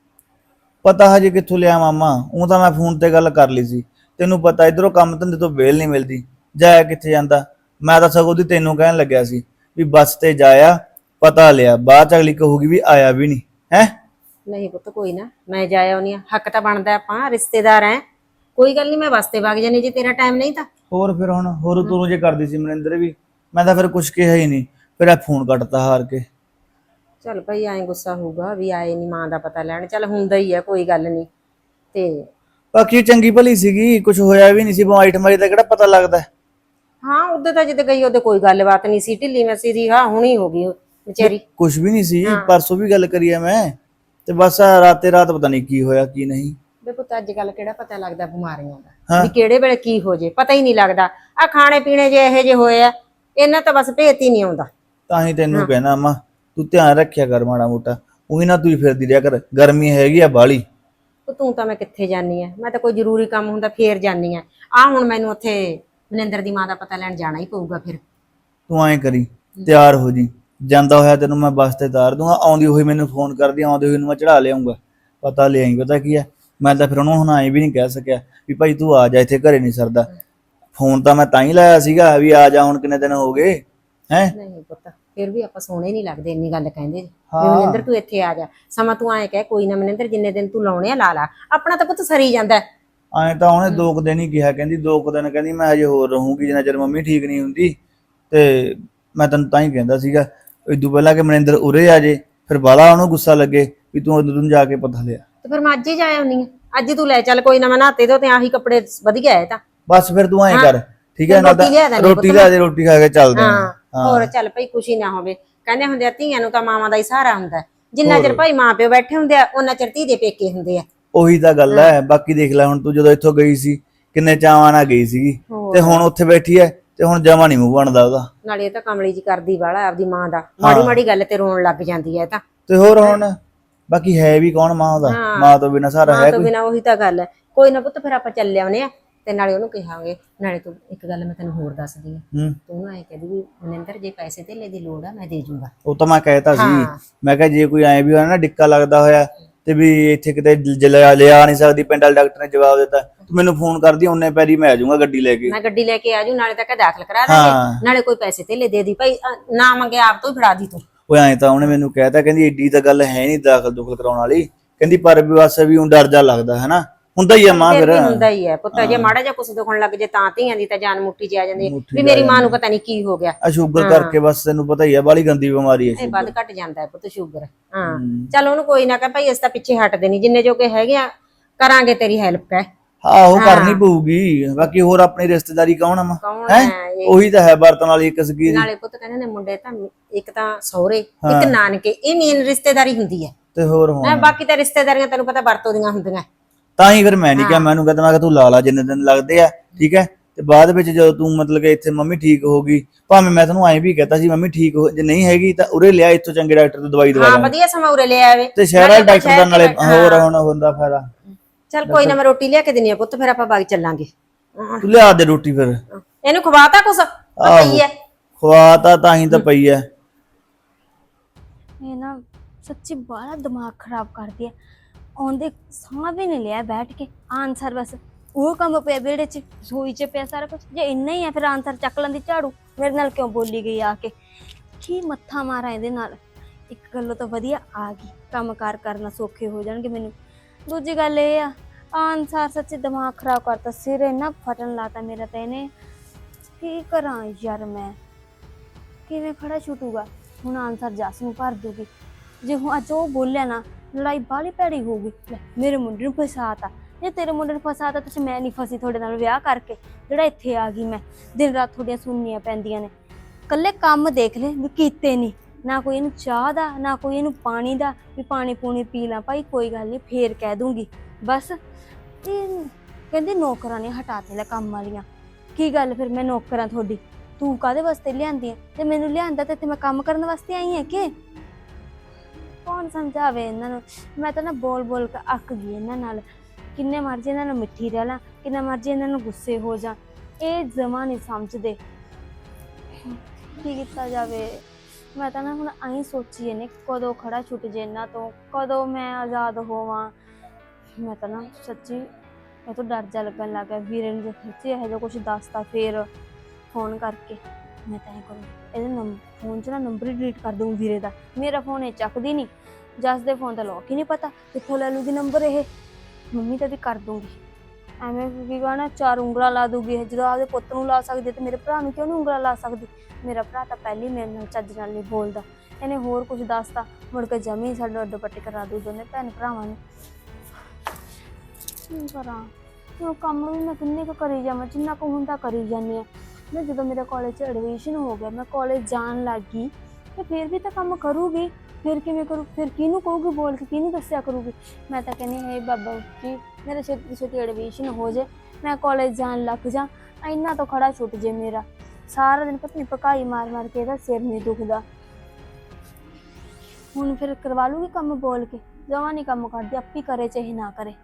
[SPEAKER 3] ਪਤਾ ਹਜੇ ਕਿੱਥੋਂ ਲਿਆ ਮਾਮਾ, ਉਹ ਤਾਂ ਮੈਂ ਫੋਨ ਤੇ ਗੱਲ ਕਰ ਲਈ ਸੀ। ਤੈਨੂੰ ਪਤਾ ਇਧਰੋਂ ਕੰਮ ਧੰਦੇ ਤੋਂ ਵੇਲ ਨਹੀਂ ਮਿਲਦੀ, ਜਾਇਆ ਕਿੱਥੇ ਜਾਂਦਾ। ਮੈਂ ਤਾਂ ਸਗੋਂ ਦੀ ਤੈਨੂੰ ਕਹਿਣ ਲੱਗਿਆ ਸੀ ਵੀ ਬੱਸ ਤੇ ਜਾਇਆ, ਪਤਾ ਲਿਆ, ਬਾਅਦ ਚ ਅਗਲੀ ਕਹੂਗੀ ਵੀ ਆਇਆ ਵੀ ਨਹੀਂ ਹੈ।
[SPEAKER 4] ਨਹੀਂ ਪੁੱਤ ਕੋਈ ਨਾ, ਮੈਂ ਜਾ ਆਉਣੀ ਆ, ਹੱਕ ਤਾਂ ਬਣਦਾ, ਆਪਾਂ ਰਿਸ਼ਤੇਦਾਰ ਐ। ਕੋਈ ਗੱਲ ਨਹੀਂ, ਮੈਂ ਬੱਸ ਤੇ ਵਗ ਜਾਣੀ ਜੇ ਤੇਰਾ ਟਾਈਮ ਨਹੀਂ ਤਾਂ।
[SPEAKER 3] ਹੋਰ ਫਿਰ ਹੁਣ ਹੋਰ ਤੂੰ ਜੇ ਕਰਦੀ ਸੀ ਮਨਿੰਦਰ ਵੀ, ਮੈਂ ਤਾਂ ਫਿਰ ਕੁਛ ਕਿਹਾ ਹੀ ਨਹੀਂ, ਫਿਰ ਇਹ ਫੋਨ ਕੱਟਤਾ ਹਾਰ ਕੇ।
[SPEAKER 4] ਚੱਲ ਭਾਈ ਐਂ ਗੁੱਸਾ ਹੋਊਗਾ ਵੀ ਆਏ ਨਹੀਂ ਮਾਂ ਦਾ ਪਤਾ ਲੈਣ, ਚੱਲ ਹੁੰਦਾ ਹੀ ਆ, ਕੋਈ ਗੱਲ ਨਹੀਂ। ਤੇ
[SPEAKER 3] ਬਾਕੀ ਚੰਗੀ ਭਲੀ ਸੀਗੀ, ਕੁਝ ਹੋਇਆ ਵੀ ਨਹੀਂ ਸੀ, ਬਿਮਾਰੀ ਠਮਾਰੀ ਦਾ ਕਿਹੜਾ ਪਤਾ ਲੱਗਦਾ।
[SPEAKER 4] ਹਾਂ ਉਦੋਂ ਤਾਂ ਜਿੱਦ ਗਈ ਉਹਦੇ ਕੋਈ ਗੱਲਬਾਤ ਨਹੀਂ ਸੀ, ਢਿੱਲੀ ਮਸੀ ਦੀ ਹਾਂ ਹੁਣੀ ਹੋ ਗਈ ਵਿਚਾਰੀ।
[SPEAKER 3] ਕੁਝ ਵੀ ਨਹੀਂ ਸੀ, ਪਰਸੋਂ ਵੀ ਗੱਲ ਕਰੀ ਆ ਮੈਂ, ਤੇ ਬਸ ਰਾਤੇ ਰਾਤ ਪਤਾ ਨਹੀਂ ਕੀ ਹੋਇਆ ਕੀ ਨਹੀਂ।
[SPEAKER 4] ਵੇ ਪੁੱਤ ਅੱਜ ਕੱਲ ਕਿਹੜਾ ਪਤਾ ਲੱਗਦਾ ਬਿਮਾਰੀਆਂ ਦਾ, ਵੀ ਕਿਹੜੇ ਵੇਲੇ ਕੀ ਹੋ ਜੇ ਪਤਾ ਹੀ ਨਹੀਂ ਲੱਗਦਾ। ਆ ਖਾਣੇ ਪੀਣੇ ਜੇ ਇਹੋ ਜਿਹੇ ਹੋਏ ਆ, ਇਹਨਾਂ ਤਾਂ ਬਸ ਭੇਤ ਹੀ ਨਹੀਂ ਆਉਂਦਾ।
[SPEAKER 3] ਤਾਂ ਹੀ ਤੈਨੂੰ ਕਹਿਣਾ ਮਾਂ, ਤੂੰ ਧਿਆਨ ਰੱਖਿਆ ਕਰ ਮਾੜਾ ਮੋਟਾ, ਉਹੀ ਨਾ ਤੂੰ ਫਿਰਦੀ ਰਿਹਾ ਕਰ, ਗਰਮੀ ਹੈਗੀ ਆ ਬਾਲੀ।
[SPEAKER 4] ਤੂੰ ਤਾਂ ਮੈਂ ਕਿੱਥੇ ਜਾਨੀ ਆ, ਮੈਂ ਤਾਂ ਕੋਈ ਜ਼ਰੂਰੀ ਕੰਮ ਹੁੰਦਾ ਫੇਰ ਜਾਨੀ ਆ। ਆ ਹੁਣ ਮੈਨੂੰ ਉੱਥੇ ਮਨਿੰਦਰ ਦੀ ਮਾਂ ਦਾ ਪਤਾ ਲੈਣ ਜਾਣਾ ਹੀ ਪਊਗਾ। ਫਿਰ
[SPEAKER 3] ਤੂੰ ਐਂ ਕਰੀ, ਤਿਆਰ ਹੋ ਜੀ, ਜਾਂਦਾ ਹੋਇਆ ਤੈਨੂੰ ਮੈਂ ਬੱਸ ਤੇ ਉਤਾਰ ਦੂੰਗਾ, ਆਉਂਦੀ ਹੋਈ ਮੈਨੂੰ ਫੋਨ ਕਰਦੀ, ਆਉਂਦੇ ਹੋਈ ਨੂੰ ਮੈਂ ਚੜਾ ਲਿਆਉਂਗਾ। ਪਤਾ ਲਿਆਈ, ਪਤਾ ਕੀ ਆ, ਮੈਂ ਤਾਂ ਫਿਰ ਉਹਨੂੰ ਹੁਣ ਐਂ ਵੀ ਨਹੀਂ ਕਹਿ ਸਕਿਆ ਵੀ ਭਾਈ ਤੂੰ ਆ ਜਾ, ਇੱਥੇ ਘਰੇ ਨਹੀਂ ਸਰਦਾ। ਫੋਨ ਤਾਂ ਮੈਂ ਤਾਂ ਹੀ ਲਾਇਆ ਸੀਗਾ ਵੀ ਆ ਜਾ, ਹੁਣ ਕਿੰਨੇ ਦਿਨ ਹੋ ਗਏ ਹੈ।
[SPEAKER 4] ਨਹੀਂ ਪੁੱਤ ਫਿਰ ਵੀ ਆਪਾਂ ਸੋਹਣੇ ਨਹੀਂ ਲੱਗਦੇ ਇੰਨੀ ਗੱਲ ਕਹਿੰਦੇ ਵੀ ਮਨਿੰਦਰ ਤੂੰ ਇੱਥੇ ਆ ਜਾ। ਸਮਾਂ ਤੂੰ ਐਂ ਕਹਿ ਕੋਈ ਨਾ ਮਨਿੰਦਰ ਜਿੰਨੇ ਦਿਨ ਤੂੰ ਲਾਉਣੇ ਆ ਲਾ ਲਾ, ਆਪਣਾ ਤਾਂ ਪੁੱਤ ਸਰੀ ਜਾਂਦਾ।
[SPEAKER 3] ਐਂ ਤਾਂ ਉਹਨੇ 2 ਦਿਨ ਹੀ ਕਿਹਾ, ਕਹਿੰਦੀ 2 ਦਿਨ ਕਹਿੰਦੀ ਮੈਂ ਹਜੇ ਹੋਰ ਰਹੂੰਗੀ ਜਿੰਨਾ ਚਿਰ ਮੰਮੀ ਠੀਕ ਨਹੀਂ ਹੁੰਦੀ। ਤੇ ਮੈਂ ਤੈਨੂੰ ਤਾਂ ਹੀ ਕਹਿੰਦਾ ਸੀਗਾ ਇਦੋਂ ਪਹਿਲਾਂ ਕਿ ਮਨਿੰਦਰ ਉਰੇ ਆ ਜੇ, ਫਿਰ ਬਾਲਾ ਉਹਨੂੰ ਗੁੱਸਾ ਲੱਗੇ ਵੀ ਤੂੰ ਉਦੋਂ ਨੂੰ ਜਾ ਕੇ ਪਤਾ ਲਿਆ।
[SPEAKER 4] ਤੇ ਫਿਰ ਮੈਂ ਅੱਜ ਹੀ ਜਾ ਆਉਣੀ ਆ, ਅੱਜ ਹੀ ਤੂੰ ਲੈ ਚੱਲ, ਕੋਈ ਨਾ ਮੈਂ ਨਹਾਤੇ ਦੋ ਤੇ ਆਹੀ ਕੱਪੜੇ ਵਧੀਆ ਹੈ ਤਾਂ।
[SPEAKER 3] ਬਸ ਫਿਰ ਤੂੰ ਐਂ ਕਰ, ਠੀਕ ਹੈ ਨਾ,
[SPEAKER 4] ਰੋਟੀ ਲਿਆ ਦੇਣੀ
[SPEAKER 3] ਰੋਟੀ ਲਿਆ ਦੇ, ਰੋਟੀ ਖਾ ਕੇ ਚੱਲਦੇ ਆਂ।
[SPEAKER 4] ਹਾਂ ਹੋਰ ਚੱਲ ਭਾਈ ਖੁਸ਼ੀ ਨਾ ਹੋਵੇ, ਕਹਿੰਦੇ ਹੁੰਦੇ ਆ ਧੀਆਂ ਨੂੰ ਤਾਂ ਮਾਵਾਂ ਦਾ ਹੀ ਸਹਾਰਾ ਹੁੰਦਾ। ਜਿੰਨਾ ਚਿਰ ਭਾਈ ਮਾਂ ਪਿਓ ਬੈਠੇ ਹੁੰਦੇ ਆ ਉਹਨਾਂ ਚਿਰ ਧੀ ਦੇ ਪੇਕੇ ਹੁੰਦੇ ਆ।
[SPEAKER 3] ਉਹੀ ਤਾਂ ਗੱਲ ਹੈ। ਬਾਕੀ ਦੇਖ ਲੈ ਹੁਣ ਤੂੰ ਜਦੋਂ ਇੱਥੋਂ ਗਈ ਸੀ ਕਿੰਨੇ ਚਾਵਾਂ ਨਾਲ ਗਈ ਸੀਗੀ, ਤੇ ਹੁਣ ਉੱਥੇ ਬੈਠੀ ਐ ਤੇ ਹੁਣ ਜਮਾ ਨਹੀਂ ਮੂੰਹ ਬਣਦਾ ਉਹਦਾ।
[SPEAKER 4] ਨਾਲੇ ਇਹ ਤਾਂ ਕਮਲੀ ਜੀ ਕਰਦੀ ਵਾਲਾ ਆਪਦੀ ਮਾਂ ਦਾ, ਮਾੜੀ ਮਾੜੀ ਗੱਲ ਤੇ ਰੋਣ ਲੱਗ ਜਾਂਦੀ ਹੈ ਤਾਂ।
[SPEAKER 3] ਤੇ ਹੋਰ ਹੁਣ ਬਾਕੀ ਹੈ ਵੀ ਕੌਣ ਮਾਂ ਉਹਦਾ, ਮਾਂ ਤੋਂ ਬਿਨਾਂ ਸਹਾਰਾ ਹੈ
[SPEAKER 4] ਤੋਂ
[SPEAKER 3] ਕੋਈ?
[SPEAKER 4] ਬਿਨਾਂ ਉਹੀ ਤਾਂ ਗੱਲ ਹੈ। ਕੋਈ ਨਾ ਪੁੱਤ ਫਿਰ ਆਪਾਂ ਚੱਲੇ ਆਉਨੇ ਆ, ਤੇ ਨਾਲੇ ਉਹਨੂੰ ਕਹਾਂਗੇ। ਨਾਲੇ ਤੂੰ ਇੱਕ ਗੱਲ ਮੈਂ ਤੈਨੂੰ ਹੋਰ ਦੱਸਦੀ ਆ, ਤੂੰ ਐ ਕਹਦੀ ਵੀ ਮਨਿੰਦਰ ਜੇ ਪੈਸੇ ਧੇਲੇ ਦੀ ਲੋੜ ਆ ਮੈਂ ਦੇ ਜੂੰਗਾ।
[SPEAKER 3] ਉਹ ਤਾਂ ਮੈਂ ਕਹਿਤਾ ਸੀ, ਮੈਂ ਕਿਹਾ ਜੇ ਕੋਈ ਐ ਵੀ ਹੋਇਆ ਨਾ ਡਿੱਕਾ ਲੱਗਦਾ ਹੋਇਆ ਤੇ ਵੀ ਇੱਥੇ ਕਿਤੇ ਲਿਆ ਨਹੀਂ ਸਕਦੀ, ਪਿੰਡ ਵਾਲੇ ਡਾਕਟਰ ਨੇ ਜਵਾਬ ਦਿੱਤਾ, ਤੂੰ ਮੈਨੂੰ ਫੋਨ ਕਰਦੀ, ਉਹਨੇ ਪੈਰੀ ਮੈਂ ਆ ਜਾਊਂਗਾ ਗੱਡੀ ਲੈ ਕੇ।
[SPEAKER 4] ਮੈਂ ਗੱਡੀ ਲੈ ਕੇ ਆ ਜੂ, ਨਾਲੇ ਤਾਂ ਦਾਖਲ ਕਰਾ ਦਾਂਗੇ, ਨਾਲੇ ਕੋਈ ਪੈਸੇ ਧੇਲੇ ਦੇ ਦੀ ਭਾਈ, ਨਾ ਮੰਗੇ ਆਪ ਤੋਂ ਹੀ ਫੜਾ ਦੀ ਤੂੰ।
[SPEAKER 3] ਉਹ ਐਂ ਤਾਂ ਉਹਨੇ ਮੈਨੂੰ ਕਹਿਤਾ, ਕਹਿੰਦੀ ਏਡੀ ਤਾਂ ਗੱਲ ਹੈ ਨਹੀਂ ਦਾਖਲ ਦੁਖਲ ਕਰਾਉਣ ਵਾਲੀ, ਕਹਿੰਦੀ ਪਰ ਵੀ ਬਸ ਵੀ ਉਹ ਡਰ ਜਾ ਲੱਗਦਾ ਹੈ ਨਾ, ਹੁੰਦਾ ਹੀ ਆ ਮਾਂ ਫਿਰ।
[SPEAKER 4] ਹੁੰਦਾ ਹੀ ਹੈ ਪੁੱਤ, ਜੇ ਮਾੜਾ ਜਿਹਾ ਕੁਛ ਦੁਖਣ ਲੱਗ ਜੇ ਤਾਂ ਧੀਆਂ ਦੀ ਤਾਂ ਜਾਨ ਮੁੱਠੀ 'ਚ ਆ ਜਾਂਦੀ ਹੈ ਵੀ ਮੇਰੀ ਮਾਂ ਨੂੰ ਪਤਾ ਨਹੀਂ ਕੀ ਹੋ ਗਿਆ।
[SPEAKER 3] ਆ ਸ਼ੂਗਰ ਕਰਕੇ ਬਸ ਤੈਨੂੰ ਪਤਾ ਹੀ ਆ, ਬਾਲੀ ਗੰਦੀ ਬਿਮਾਰੀ ਹੈ।
[SPEAKER 4] ਇਹ ਵੱਧ ਘਟ ਜਾਂਦਾ ਹੈ ਪੁੱਤ ਸ਼ੂਗਰ। ਹਾਂ ਚੱਲ ਉਹਨੂੰ ਕੋਈ ਨਾ ਕਹ ਭਾਈ ਅਸੀਂ ਤਾਂ ਪਿੱਛੇ ਹਟਦੇ ਨਹੀਂ, ਜਿੰਨੇ ਜੋਗੇ ਹੈਗੇ ਆ ਕਰਾਂਗੇ ਤੇਰੀ ਹੈਲਪ ਹੈ।
[SPEAKER 3] ਆਹੋ ਕਰਨੀ ਪਊਗੀ, ਬਾਕੀ ਹੋਰ ਆਪਣੀ ਰਿਸ਼ਤੇਦਾਰੀ ਕੌਣ ਆ ਮਾਂ ਹੈ, ਉਹੀ ਤਾਂ ਹੈ ਵਰਤਣ ਵਾਲੀ ਇੱਕ ਸਗੀ।
[SPEAKER 4] ਨਾਲੇ ਪੁੱਤ ਕਹਿੰਦੇ ਨੇ ਮੁੰਡੇ ਤਾਂ ਇੱਕ ਤਾਂ ਸਹੁਰੇ ਇੱਕ ਨਾਨਕੇ, ਇਹ ਮੇਨ ਰਿਸ਼ਤੇਦਾਰੀ ਹੁੰਦੀ ਹੈ।
[SPEAKER 3] ਤੇ ਹੋਰ ਹੁਣ
[SPEAKER 4] ਬਾਕੀ ਤਾਂ ਰਿਸ਼ਤੇਦਾਰੀਆਂ ਤੈਨੂੰ ਪਤਾ ਵਰਤੋਂ ਦੀਆਂ ਹੁੰਦੀਆਂ।
[SPEAKER 3] ਤਾਂ ਹੀ ਫਿਰ ਮੈਂ ਨਹੀਂ ਕਿਹਾ, ਮੈਨੂੰ ਕਹਿੰਦਾ ਮੈਂ ਕਿਹਾ ਤੂੰ ਲਾ ਲਾ ਜਿੰਨੇ ਦਿਨ ਲੱਗਦੇ ਆ, ਠੀਕ ਹੈ। ਤੇ ਬਾਅਦ ਵਿੱਚ ਜਦੋਂ ਤੂੰ ਮਤਲਬ ਕਿ ਇੱਥੇ ਮੰਮੀ ਠੀਕ ਹੋ ਗਈ, ਭਾਵੇਂ ਮੈਂ ਤੈਨੂੰ ਐਂ ਵੀ ਕਹਤਾ ਸੀ ਮੰਮੀ ਠੀਕ ਹੋ, ਜੇ ਨਹੀਂ ਹੈਗੀ ਤਾਂ ਉਰੇ ਲਿਆ ਇੱਥੋਂ ਚੰਗੇ ਡਾਕਟਰ ਤੋਂ ਦਵਾਈ ਦਵਾ
[SPEAKER 4] ਹਾਂ ਵਧੀਆ ਸਮਾਂ ਉਰੇ ਲੈ ਆਵੇ,
[SPEAKER 3] ਤੇ ਸ਼ਹਿਰਾਂ ਦੇ ਡਾਕਟਰ ਦਾ ਨਾਲੇ ਹੋਰ ਹੁਣ ਹੁੰਦਾ ਫਾਇਦਾ।
[SPEAKER 4] ਚੱਲ ਕੋਈ ਨਾ ਮੈਂ ਰੋਟੀ ਲਿਆ ਕੇ ਦਿੰਨੀ ਆ ਪੁੱਤ, ਫਿਰ ਆਪਾਂ ਬਾਗ ਚੱਲਾਂਗੇ।
[SPEAKER 3] ਤੂੰ ਲਿਆ ਦੇ ਰੋਟੀ ਫਿਰ।
[SPEAKER 4] ਇਹਨੂੰ ਖਵਾਤਾ ਕੁਛ ਪਈ ਹੈ?
[SPEAKER 3] ਖਵਾਤਾ ਤਾਂ ਹੀ ਤਾਂ ਪਈ ਐ।
[SPEAKER 2] ਇਹ ਨਾ ਸੱਚੀ ਬੜਾ ਦਿਮਾਗ ਖਰਾਬ ਕਰਦੀ ਹੈ। ਆਉਂਦੇ ਸਾਹ ਵੀ ਨਹੀਂ ਲਿਆ ਬੈਠ ਕੇ, ਆਨਸਰ ਬਸ ਉਹ ਕੰਮ ਪਿਆ ਵਿਹੜੇ 'ਚ, ਰਸੋਈ 'ਚ ਪਿਆ ਸਾਰਾ ਕੁਝ। ਜੇ ਇੰਨਾ ਹੀ ਆ ਫਿਰ ਆਨਸਰ ਚੱਕ ਲੈਂਦੀ ਝਾੜੂ, ਮੇਰੇ ਨਾਲ ਕਿਉਂ ਬੋਲੀ ਗਈ ਆ ਕੇ, ਕੀ ਮੱਥਾ ਮਾਰਾਂ ਇਹਦੇ ਨਾਲ। ਇੱਕ ਗੱਲੋਂ ਤਾਂ ਵਧੀਆ ਆ ਗਈ, ਕੰਮ ਕਾਰ ਕਰਨਾ ਸੌਖੇ ਹੋ ਜਾਣਗੇ ਮੈਨੂੰ। ਦੂਜੀ ਗੱਲ ਇਹ ਆ ਆਨਸਰ ਸੱਚੀ ਦਿਮਾਗ ਖਰਾਬ ਕਰਤਾ, ਸਿਰ ਇੰਨਾ ਫਟਣ ਲਾਤਾ ਮੇਰਾ ਤਾਂ ਇਹਨੇ। ਕੀ ਕਰਾਂ ਯਾਰ, ਮੈਂ ਕਿਵੇਂ ਖੜਾ ਛੁੱਟੂਗਾ ਹੁਣ। ਆਨਸਰ ਜੱਸ ਨੂੰ ਭਰ ਦੂਗੀ, ਜੇ ਹੁਣ ਅੱਜ ਉਹ ਬੋਲਿਆ ਨਾ ਲੜਾਈ ਬਾਹਲੀ ਭੈੜੀ ਹੋਊਗੀ। ਮੇਰੇ ਮੁੰਡੇ ਨੂੰ ਫਸਾਤਾ, ਜੇ ਤੇਰੇ ਮੁੰਡੇ ਨੂੰ ਫਸਾਤਾ ਤਾਂ ਮੈਂ ਨਹੀਂ ਫਸੀ ਤੁਹਾਡੇ ਨਾਲ ਵਿਆਹ ਕਰਕੇ, ਜਿਹੜਾ ਇੱਥੇ ਆ ਗਈ ਮੈਂ। ਦਿਨ ਰਾਤ ਤੁਹਾਡੀਆਂ ਸੁਣਨੀਆਂ ਪੈਂਦੀਆਂ ਨੇ, ਇਕੱਲੇ ਕੰਮ ਦੇਖ ਲੈ ਵੀ ਕੀਤੇ ਨਹੀਂ, ਨਾ ਕੋਈ ਇਹਨੂੰ ਚਾਹ ਦਾ ਨਾ ਕੋਈ ਇਹਨੂੰ ਪਾਣੀ ਦਾ, ਵੀ ਪਾਣੀ ਪੂਣੀ ਪੀ ਲਾਂ ਭਾਈ ਕੋਈ ਗੱਲ ਨਹੀਂ ਫੇਰ ਕਹਿ ਦੂੰਗੀ ਬਸ। ਇਹ ਕਹਿੰਦੇ ਨੌਕਰਾਂ ਨੇ ਹਟਾਤੇ ਲੈ ਕੰਮ ਵਾਲੀਆਂ। ਕੀ ਗੱਲ ਫਿਰ ਮੈਂ ਨੌਕਰਾਂ ਤੁਹਾਡੀ, ਤੂੰ ਕਾਹਦੇ ਵਾਸਤੇ ਲਿਆਂਦੀ ਹੈ? ਤੇ ਮੈਨੂੰ ਲਿਆਂਦਾ ਤੇ ਇੱਥੇ ਮੈਂ ਕੰਮ ਕਰਨ ਵਾਸਤੇ ਆਈ ਹਾਂ ਕਿ ਕੌਣ ਕੌਣ ਸਮਝਾਵੇ ਇਹਨਾਂ ਨੂੰ। ਮੈਂ ਤਾਂ ਨਾ ਬੋਲ ਬੋਲ ਕੇ ਅੱਕ ਗਈ ਇਹਨਾਂ ਨਾਲ। ਕਿੰਨੇ ਮਰਜ਼ੀ ਇਹਨਾਂ ਨੂੰ ਮਿੱਠੀ ਰਹਿ ਲਾਂ, ਕਿੰਨਾ ਮਰਜ਼ੀ ਇਹਨਾਂ ਨੂੰ ਗੁੱਸੇ ਹੋ ਜਾ, ਇਹ ਜਮਾਂ ਨਹੀਂ ਸਮਝਦੇ। ਕੀ ਕੀਤਾ ਜਾਵੇ। ਮੈਂ ਤਾਂ ਨਾ ਹੁਣ ਐਂ ਸੋਚੀ ਇਹਨੇ ਕਦੋਂ ਖੜਾ ਛੁੱਟ ਜੇ ਇਹਨਾਂ ਤੋਂ, ਕਦੋਂ ਮੈਂ ਆਜ਼ਾਦ ਹੋਵਾਂ। ਮੈਂ ਤਾਂ ਨਾ ਸੱਚੀ ਮੈਂ ਤਾਂ ਡਰ ਜਾ ਲੱਗਣ ਲੱਗ ਗਿਆ। ਵੀਰੇ ਨੂੰ ਜੇ ਸੱਚੀ ਇਹੋ ਜਿਹਾ ਕੁਛ ਦੱਸਤਾ ਫੇਰ ਫੋਨ ਕਰਕੇ ਮੈਂ ਤਾਂ ਇਹ ਕਰੂੰ, ਇਹਦੇ ਫੋਨ 'ਚ ਨਾ ਨੰਬਰ ਹੀ ਡਿਲੀਟ ਕਰ ਦੂੰ ਵੀਰੇ ਦਾ। ਮੇਰਾ ਫੋਨ ਇਹ ਚੱਕਦੀ ਨਹੀਂ, ਜੱਸ ਦੇ ਫੋਨ ਦਾ ਲੋਕ ਹੀ ਨਹੀਂ ਪਤਾ ਕਿੱਥੋਂ ਲੈ ਲੂਗੀ ਨੰਬਰ ਇਹ। ਮੰਮੀ ਤਾਂ ਵੀ ਕਰ ਦੂੰਗੀ ਐਵੇਂ, ਕੀ ਕਹਣਾ 4 ਉਂਗਲਾਂ ਲਾ ਦੂਗੀ ਇਹ। ਜਦੋਂ ਆਪਦੇ ਪੁੱਤ ਨੂੰ ਲਾ ਸਕਦੀ ਤੇ ਮੇਰੇ ਭਰਾ ਨੂੰ ਕਿਉਂ ਨਹੀਂ ਉਂਗਲਾਂ ਲਾ ਸਕਦੀ। ਮੇਰਾ ਭਰਾ ਤਾਂ ਪਹਿਲੀ ਮੇਰੇ ਨਾਲ ਚੱਜ ਨਾਲ ਨਹੀਂ ਬੋਲਦਾ, ਇਹਨੇ ਹੋਰ ਕੁਝ ਦੱਸਤਾ ਮੁੜ ਕੇ ਜਮੀ ਸਾਡਾ ਅੱਡੋ ਪੱਟੀ ਕਰਾ ਦੂ ਦੋਨੇ ਭੈਣ ਭਰਾਵਾਂ ਨੂੰ। ਕੀ ਕਰਾਂ ਹੁਣ, ਕੰਮ ਵੀ ਮੈਂ ਕਿੰਨੇ ਕੁ ਕਰੀ ਜਾਵਾਂ, ਜਿੰਨਾ ਕੁ ਹੁੰਦਾ ਕਰੀ ਜਾਂਦੀ ਹਾਂ। ਮੈਂ ਜਦੋਂ ਮੇਰਾ ਕਾਲਜ 'ਚ ਐਡਮਿਸ਼ਨ ਹੋ ਗਿਆ, ਮੈਂ ਕਾਲਜ ਜਾਣ ਲੱਗ ਗਈ ਤੇ ਫਿਰ ਵੀ ਤਾਂ ਕੰਮ ਕਰੂਗੀ। ਫਿਰ ਕਿਵੇਂ ਕਰੂ, ਫਿਰ ਕਿਹਨੂੰ ਕਹੂਗੀ ਬੋਲ ਕੇ, ਕਿਹਨੂੰ ਦੱਸਿਆ ਕਰੂਗੀ। ਮੈਂ ਤਾਂ ਕਹਿੰਦੀ ਹੈ ਬਾਬਾ ਜੀ ਮੇਰਾ ਛੇਤੀ ਛੇਤੀ ਐਡਮਿਸ਼ਨ ਹੋ ਜੇ, ਮੈਂ ਕਾਲਜ ਜਾਣ ਲੱਗ ਜਾ, ਇੰਨਾ ਤਾਂ ਖੜਾ ਛੁੱਟ ਜੇ ਮੇਰਾ। ਸਾਰਾ ਦਿਨ ਪਤਾ ਨਹੀਂ ਪਕਾਈ ਮਾਰ ਮਾਰ ਕੇ ਇਹਦਾ ਸਿਰ ਨਹੀਂ ਦੁਖਦਾ। ਹੁਣ ਫਿਰ ਕਰਵਾ ਲੂਗੀ ਕੰਮ ਬੋਲ ਕੇ, ਜਮਾਂ ਨਹੀਂ ਕੰਮ ਕਰਦੀ, ਆਪੀ ਕਰੇ ਚਾਹੇ ਨਾ ਕਰੇ।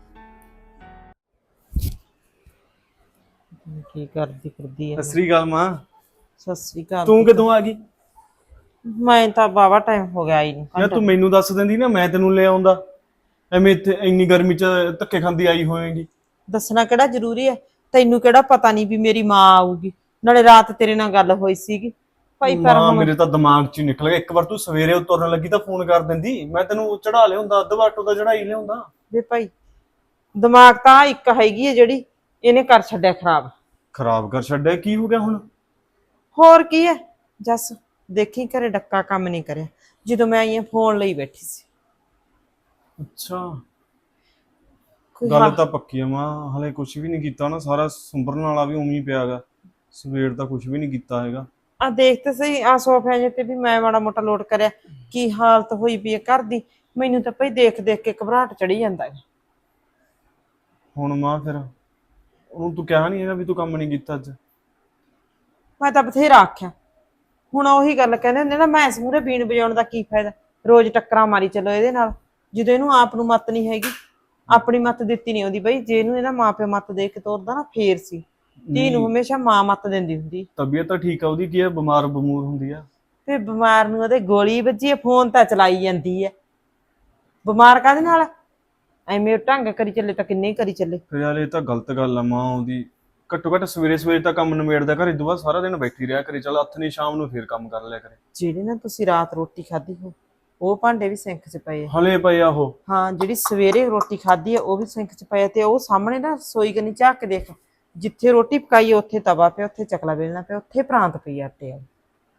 [SPEAKER 1] ਕੀ ਕਰਦੀ ਹੈ।
[SPEAKER 5] ਸਤਿ ਸ੍ਰੀ ਅਕਾਲ ਮਾਂ।
[SPEAKER 1] ਸਤਿ ਸ੍ਰੀ ਅਕਾਲ।
[SPEAKER 5] ਤੂੰ ਕਿਦੋਂ ਆ ਗਈ?
[SPEAKER 1] ਮੈਂ ਤਾਂ ਬਾਵਾ ਟਾਈਮ ਹੋ ਗਿਆ ਆਈ ਨੂੰ।
[SPEAKER 5] ਯਾਰ ਤੂੰ ਮੈਨੂੰ ਦੱਸ ਦਿੰਦੀ ਨਾ, ਮੈਂ ਤੈਨੂੰ ਲੈ ਆਉਂਦਾ। ਐਵੇਂ ਇੱਥੇ ਇੰਨੀ ਗਰਮੀ 'ਚ ਧੱਕੇ ਖਾਂਦੀ ਆਈ ਹੋਏਗੀ।
[SPEAKER 1] ਦੱਸਣਾ ਕਿਹੜਾ ਜ਼ਰੂਰੀ ਹੈ, ਤੈਨੂੰ ਕਿਹੜਾ ਪਤਾ ਨਹੀਂ ਵੀ ਮੇਰੀ ਮਾਂ ਆਊਗੀ। ਨਾਲੇ ਰਾਤ ਤੇਰੇ ਨਾਲ ਗੱਲ ਹੋਈ ਸੀਗੀ ਭਾਈ। ਪਰ
[SPEAKER 5] ਮਾਂ
[SPEAKER 1] ਹੁਣ
[SPEAKER 5] ਮੇਰੇ ਤਾਂ ਦਿਮਾਗ 'ਚ ਹੀ ਨਿਕਲ ਗਿਆ। ਇੱਕ ਵਾਰ ਤੂੰ ਸਵੇਰੇ ਤੁਰਨ ਲੱਗੀ ਤਾਂ ਫੋਨ ਕਰ ਦਿੰਦੀ, ਮੈਂ ਤੈਨੂੰ ਚੜਾ ਲਿਆਉਂਦਾ, ਅੱਧ ਬਾਟੋ ਦਾ ਚੜਾਈ ਲਿਆਉਂਦਾ।
[SPEAKER 1] ਵੇ ਭਾਈ ਦਿਮਾਗ ਤਾਂ ਇੱਕ ਹੈਗੀ ਹੈ ਜਿਹੜੀ ਇਹਨੇ ਕਰ ਛੱਡਿਆ ਖਰਾਬ।
[SPEAKER 5] ਖਰਾਬ ਕਰ ਛੱਡਿਆ? ਕੀ ਹੋ ਗਿਆ ਹੁਣ?
[SPEAKER 1] ਹੋਰ ਕੀ ਹੈ ਜੱਸ, ਦੇਖੀ ਘਰੇ ਡੱਕਾ ਕੰਮ ਨਹੀਂ ਕਰਿਆ ਜਦੋਂ ਮੈਂ ਆਈ ਫੋਨ ਲਈ ਬੈਠੀ ਸੀ।
[SPEAKER 5] ਅੱਛਾ
[SPEAKER 1] ਕੋਈ
[SPEAKER 5] ਗੱਲ
[SPEAKER 1] ਹਾਂ-
[SPEAKER 5] ਤਾਂ ਪੱਕੀ ਆ ਮਾਂ, ਹਲੇ ਕੁਝ ਵੀ ਨਹੀਂ ਕੀਤਾ ਨਾ। ਸਾਰਾ ਸੁੰਬਰਨ ਵਾਲਾ ਵੀ ਉਵੇਂ ਹੀ ਪਿਆਗਾ। ਸਵੇਰ ਦਾ ਕੁਝ ਵੀ ਨਹੀਂ ਕੀਤਾ ਹੈਗਾ।
[SPEAKER 1] ਆ ਦੇਖ ਤੇ ਸਹੀ ਆ ਸੋਫਿਆਂ ਜਿਹੇ ਤੇ ਵੀ ਮੈਂ ਮਾੜਾ ਮੋਟਾ ਲੋਟ ਕਰਿਆ, ਕੀ ਹਾਲਤ ਹੋਈ ਪਈ ਹੈ ਘਰ ਦੀ। ਮੈਨੂੰ ਤਾਂ ਭਾਈ ਦੇਖ ਦੇਖ ਕੇ ਘਬਰਾਹਟ ਚੜੀ ਜਾਂਦਾ ਹੈ।
[SPEAKER 5] ਹੁਣ ਮਾਂ ਫਿਰ ਉਹਨੂੰ ਤੂੰ ਕਿਹਾ ਨਹੀਂ ਹੈਗਾ ਵੀ ਤੂੰ ਕੰਮ ਨਹੀਂ ਕੀਤਾ ਅੱਜ?
[SPEAKER 1] ਮੈਂ ਤਾਂ ਬਥੇਰਾ ਆਖਿਆ, ਹੁਣ ਉਹੀ ਗੱਲ ਕਹਿੰਦੇ ਹੁੰਦੇ ਨਾ, ਮੈਂ ਇਸ ਮੂਹਰੇ ਬੀਣ ਵਜਾਉਣ ਦਾ ਕੀ ਫਾਇਦਾ, ਰੋਜ਼ ਟੱਕਰਾਂ ਮਾਰੀ ਚੱਲੋ ਇਹਦੇ ਨਾਲ, ਜਦੋਂ ਇਹਨੂੰ ਆਪ ਨੂੰ ਮੱਤ ਨਹੀਂ ਹੈਗੀ। ਆਪਣੀ ਮੱਤ ਦਿੱਤੀ ਨਹੀਂ ਆਉਂਦੀ ਬਈ, ਜੇ ਇਹਨੂੰ ਇਹਦਾ ਮਾਂ ਪਿਓ ਮੱਤ ਦੇ ਕੇ ਤੋਰਦਾ ਨਾ ਫੇਰ ਸੀ। ਧੀ ਨੂੰ ਹਮੇਸ਼ਾ ਮਾਂ ਮੱਤ ਦਿੰਦੀ ਹੁੰਦੀ।
[SPEAKER 5] ਤਬੀਅਤ ਤਾਂ ਠੀਕ ਆ ਉਹਦੀ, ਕੀ ਹੈ ਬਿਮਾਰ ਬਮੂਰ ਹੁੰਦੀ ਆ?
[SPEAKER 1] ਤੇ ਬਿਮਾਰ ਨੂੰ ਉਹਦੇ ਗੋਲੀ ਵੱਜੀ ਹੈ, ਫੋਨ ਤਾਂ ਚਲਾਈ ਜਾਂਦੀ ਹੈ। ਬਿਮਾਰ ਕਾਹਦੇ ਨਾਲ? ਐਵੇਂ ਢੰਗ ਕਰੀ ਚੱਲੇ ਤਾਂ ਕਿੰਨੇ ਹੀ ਕਰੀ ਚੱਲੇ।
[SPEAKER 5] ਫਿਰ ਯਾਰ ਇਹ ਤਾਂ ਗਲਤ ਗੱਲ ਆ ਮਾਂ ਉਹਦੀ। ਘੱਟੋ ਘੱਟ ਸਵੇਰੇ ਸਵੇਰੇ ਤਾਂ ਕੰਮ ਨਿਬੇੜਦਾ ਘਰੇ, ਤੋਂ ਬਾਅਦ ਸਾਰਾ ਦਿਨ ਬੈਠੀ ਰਿਹਾ ਕਰੇ। ਚੱਲ ਹੱਥ ਨਹੀਂ, ਸ਼ਾਮ ਨੂੰ ਫੇਰ ਕੰਮ ਕਰ ਲਿਆ ਕਰੇ।
[SPEAKER 1] ਜਿਹੜੇ ਨਾ ਤੁਸੀਂ ਰਾਤ ਰੋਟੀ ਖਾਧੀ ਹੋ, ਉਹ ਭਾਂਡੇ ਵੀ ਸਿੰਕ 'ਚ ਪਏ ਆ।
[SPEAKER 5] ਹਲੇ ਪਏ ਆ ਉਹ?
[SPEAKER 1] ਹਾਂ, ਜਿਹੜੀ ਸਵੇਰੇ ਰੋਟੀ ਖਾਧੀ ਆ ਉਹ ਵੀ ਸਿੰਕ 'ਚ ਪਏ ਆ। ਤੇ ਉਹ ਸਾਹਮਣੇ ਨਾ ਰਸੋਈ ਕਨੀ ਝਾਕ ਕੇ ਦੇਖ, ਜਿੱਥੇ ਰੋਟੀ ਪਕਾਈ ਉੱਥੇ ਤਵਾ ਪਿਆ, ਉੱਥੇ ਚਕਲਾ ਵੇਲਣਾ ਪਿਆ, ਉੱਥੇ ਪ੍ਰਾਂਤ ਪਈ ਆਟੇ ਵਾਲੀ।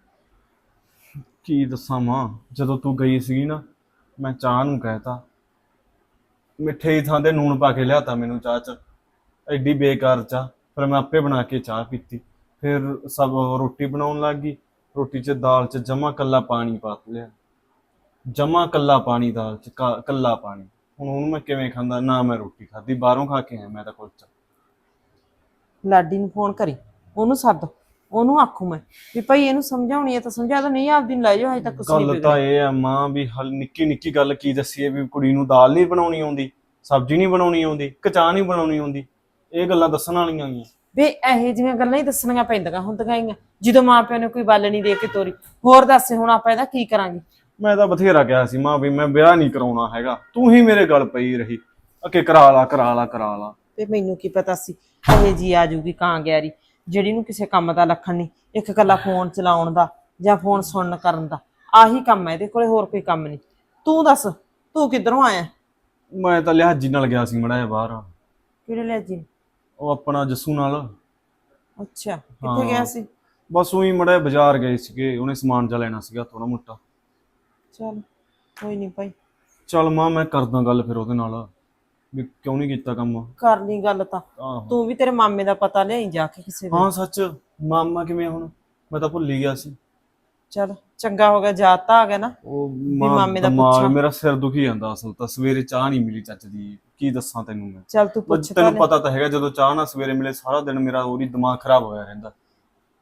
[SPEAKER 5] ਕੀ ਦੱਸਾਂ ਮਾਂ, ਜਦੋਂ ਤੂੰ ਗਈ ਸੀਗੀ ਨਾ, ਮੈਂ ਚਾਹ ਨੂੰ ਕਹਿਤਾ, ਮਿੱਠੇ ਦੀ ਥਾਂ ਤੇ ਨੂਣ ਪਾ ਕੇ ਲਿਆਤਾ ਮੈਨੂੰ ਚਾਹ 'ਚ। ਐਡੀ ਬੇਕਾਰ ਚਾਹ। ਫਿਰ ਮੈਂ ਆਪੇ ਬਣਾ ਕੇ ਚਾਹ ਪੀਤੀ। ਫਿਰ ਸਭ ਰੋਟੀ ਬਣਾਉਣ ਲੱਗ ਗਈ। ਰੋਟੀ 'ਚ ਦਾਲ 'ਚ ਜਮਾ ਕੱਲਾ ਪਾਣੀ ਪਾ ਲਿਆ, ਜਮਾ ਕੱਲਾ ਪਾਣੀ ਦਾਲ 'ਚ, ਕੱਲਾ ਪਾਣੀ। ਹੁਣ ਉਹਨੂੰ ਮੈਂ ਕਿਵੇਂ ਖਾਂਦਾ? ਨਾ ਮੈਂ ਰੋਟੀ ਖਾਧੀ, ਬਾਹਰੋਂ ਖਾ ਕੇ ਆਇਆ ਮੈਂ ਤਾਂ ਕੁਲਚਾ।
[SPEAKER 1] ਲਾਡੀ ਨੂੰ ਫੋਨ ਕਰੀ, ਉਹਨੂੰ ਸੱਦ, ਉਹਨੂੰ ਆਖੂ ਮੈਂ ਵੀ ਭਾਈ ਇਹਨੂੰ ਸਮਝਾਉਣੀ ਹੈ ਤਾਂ ਸਮਝਾ ਦੋ, ਨਹੀਂ ਆਪਦੀ ਨੂੰ ਲੈ ਜਾਓ, ਹਜੇ ਤੱਕ ਕੁਛ ਨਹੀਂ
[SPEAKER 5] ਗੱਲ ਤਾਂ ਇਹ ਆ ਮਾਂ ਵੀ ਹਲ ਨਿੱਕੀ ਨਿੱਕੀ ਗੱਲ ਕੀ ਦੱਸੀਏ, ਵੀ ਕੁੜੀ ਨੂੰ ਦਾਲ ਨਹੀਂ ਬਣਾਉਣੀ ਆਉਂਦੀ, ਸਬਜ਼ੀ ਨਹੀਂ ਬਣਾਉਣੀ ਆਉਂਦੀ, ਚਾਹ ਨਹੀਂ ਬਣਾਉਣੀ ਆਉਂਦੀ। ਇਹ ਗੱਲਾਂ ਦੱਸਣ ਵਾਲੀਆਂ ਗਈਆਂ
[SPEAKER 1] ਵੇ। ਇਹੋ ਜਿਹੀਆਂ ਗੱਲਾਂ ਹੀ ਦੱਸਣੀਆਂ ਪੈਂਦੀਆਂ ਹੁੰਦੀਆਂ ਹੀ ਆ ਜਦੋਂ ਮਾਂ ਪਿਓ ਨੇ ਕੋਈ ਗੱਲ ਨਹੀਂ ਦੇ ਕੇ ਤੋਰੀ। ਹੋਰ ਦੱਸ ਹੁਣ ਆਪਾਂ ਇਹਦਾ ਕੀ ਕਰਾਂਗੇ?
[SPEAKER 5] ਮੈਂ ਤਾਂ ਬਥੇਰਾ ਕਿਹਾ ਸੀ ਮਾਂ ਵੀ ਮੈਂ ਵਿਆਹ ਨਹੀਂ ਕਰਾਉਣਾ ਹੈਗਾ, ਤੂੰ ਹੀ ਮੇਰੇ ਗੱਲ ਪਈ ਰਹੀ ਕਿ ਕਰਾ ਲਾ ਕਰਾ ਲਾ ਕਰਾ ਲਾ।
[SPEAKER 1] ਤੇ ਮੈਨੂੰ ਕੀ ਪਤਾ ਸੀ ਇਹ ਜੀ ਆ ਜੂਗੀ ਕਾਂ ਗਿਆਰੀ, ਜਿਹੜੀ ਨੂੰ ਕਿਸੇ ਕੰਮ ਦਾ ਲੱਖਣ ਨਹੀਂ, ਇੱਕ ਕੱਲਾ ਫੋਨ ਚਲਾਉਣ ਦਾ ਜਾਂ ਫੋਨ ਸੁਣਨ ਕਰਨ ਦਾ, ਆਹੀ ਕੰਮ ਹੈ ਇਹਦੇ ਕੋਲੇ, ਹੋਰ ਕੋਈ ਕੰਮ ਨਹੀਂ। ਤੂੰ ਦੱਸ, ਤੂੰ ਕਿੱਧਰੋਂ ਆਇਆ?
[SPEAKER 5] ਮੈਂ ਤਾਂ ਲਿਹਾਜੀ ਨਾਲ ਗਿਆ ਸੀ ਮੜਾ ਜਿਹਾ ਬਾਹਰ।
[SPEAKER 1] ਕਿਹੜੇ ਲੈ ਜੀ?
[SPEAKER 5] ਉਹ ਆਪਣਾ ਜੱਸੂ ਨਾਲ।
[SPEAKER 1] ਅੱਛਾ, ਕਿੱਥੇ ਗਿਆ ਸੀ?
[SPEAKER 5] ਬਸ ਉਹੀ ਮੜਾ ਬਾਜ਼ਾਰ ਗਏ ਸੀਗੇ, ਉਹਨੇ ਸਮਾਨ ਜਾ ਲੈਣਾ ਸੀਗਾ ਥੋੜਾ ਮੋਟਾ।
[SPEAKER 1] ਚੱਲ ਕੋਈ ਨਹੀਂ ਭਾਈ,
[SPEAKER 5] ਚੱਲ ਮਾਂ ਮੈਂ ਕਰਦਾ ਗੱਲ ਫਿਰ ਉਹਦੇ ਨਾਲ ਵੀ ਕਿਉਂ ਨਹੀਂ ਕੀਤਾ ਕੰਮ।
[SPEAKER 1] ਕਰ ਲਈ ਗੱਲ ਤਾਂ।
[SPEAKER 5] ਆਹੋ
[SPEAKER 1] ਤੂੰ ਵੀ ਤੇਰੇ ਮਾਮੇ ਦਾ ਪਤਾ ਲਿਆਈ ਜਾ ਕੇ ਕਿਸੇ ਦੇ।
[SPEAKER 5] ਹਾਂ ਸੱਚ, ਮਾਮਾ ਕਿਵੇਂ ਹੁਣ? ਮੈਂ ਤਾਂ ਭੁੱਲ ਹੀ ਗਿਆ ਸੀ।
[SPEAKER 1] ਚੱਲ ਚੰਗਾ ਹੋ ਗਿਆ, ਯਾਦ ਤਾਂ ਆ ਗਿਆ ਨਾ।
[SPEAKER 5] ਉਹ
[SPEAKER 1] ਮਾਮੇ ਦਾ
[SPEAKER 5] ਦਿਮਾਗ
[SPEAKER 1] ਪੁੱਛਾਂ।
[SPEAKER 5] ਮੇਰਾ ਸਿਰ ਦੁਖੀ ਜਾਂਦਾ ਅਸਲ ਤਾਂ। ਸਵੇਰੇ ਚਾਹ ਨਹੀਂ ਮਿਲੀ ਚੱਜ ਦੀ, ਕੀ ਦੱਸਾਂ ਤੈਨੂੰ ਮੈਂ।
[SPEAKER 1] ਚੱਲ ਤੂੰ ਪੁੱਛ ਤਾਂ
[SPEAKER 5] ਤੈਨੂੰ
[SPEAKER 1] ਲੈ।
[SPEAKER 5] ਪਤਾ ਤਾਂ ਹੈਗਾ, ਜਦੋਂ ਚਾਹ ਨਾ ਸਵੇਰੇ ਮਿਲੇ ਸਾਰਾ ਦਿਨ ਮੇਰਾ ਉਹਦੀ ਦਿਮਾਗ ਖਰਾਬ ਹੋਇਆ ਰਹਿੰਦਾ।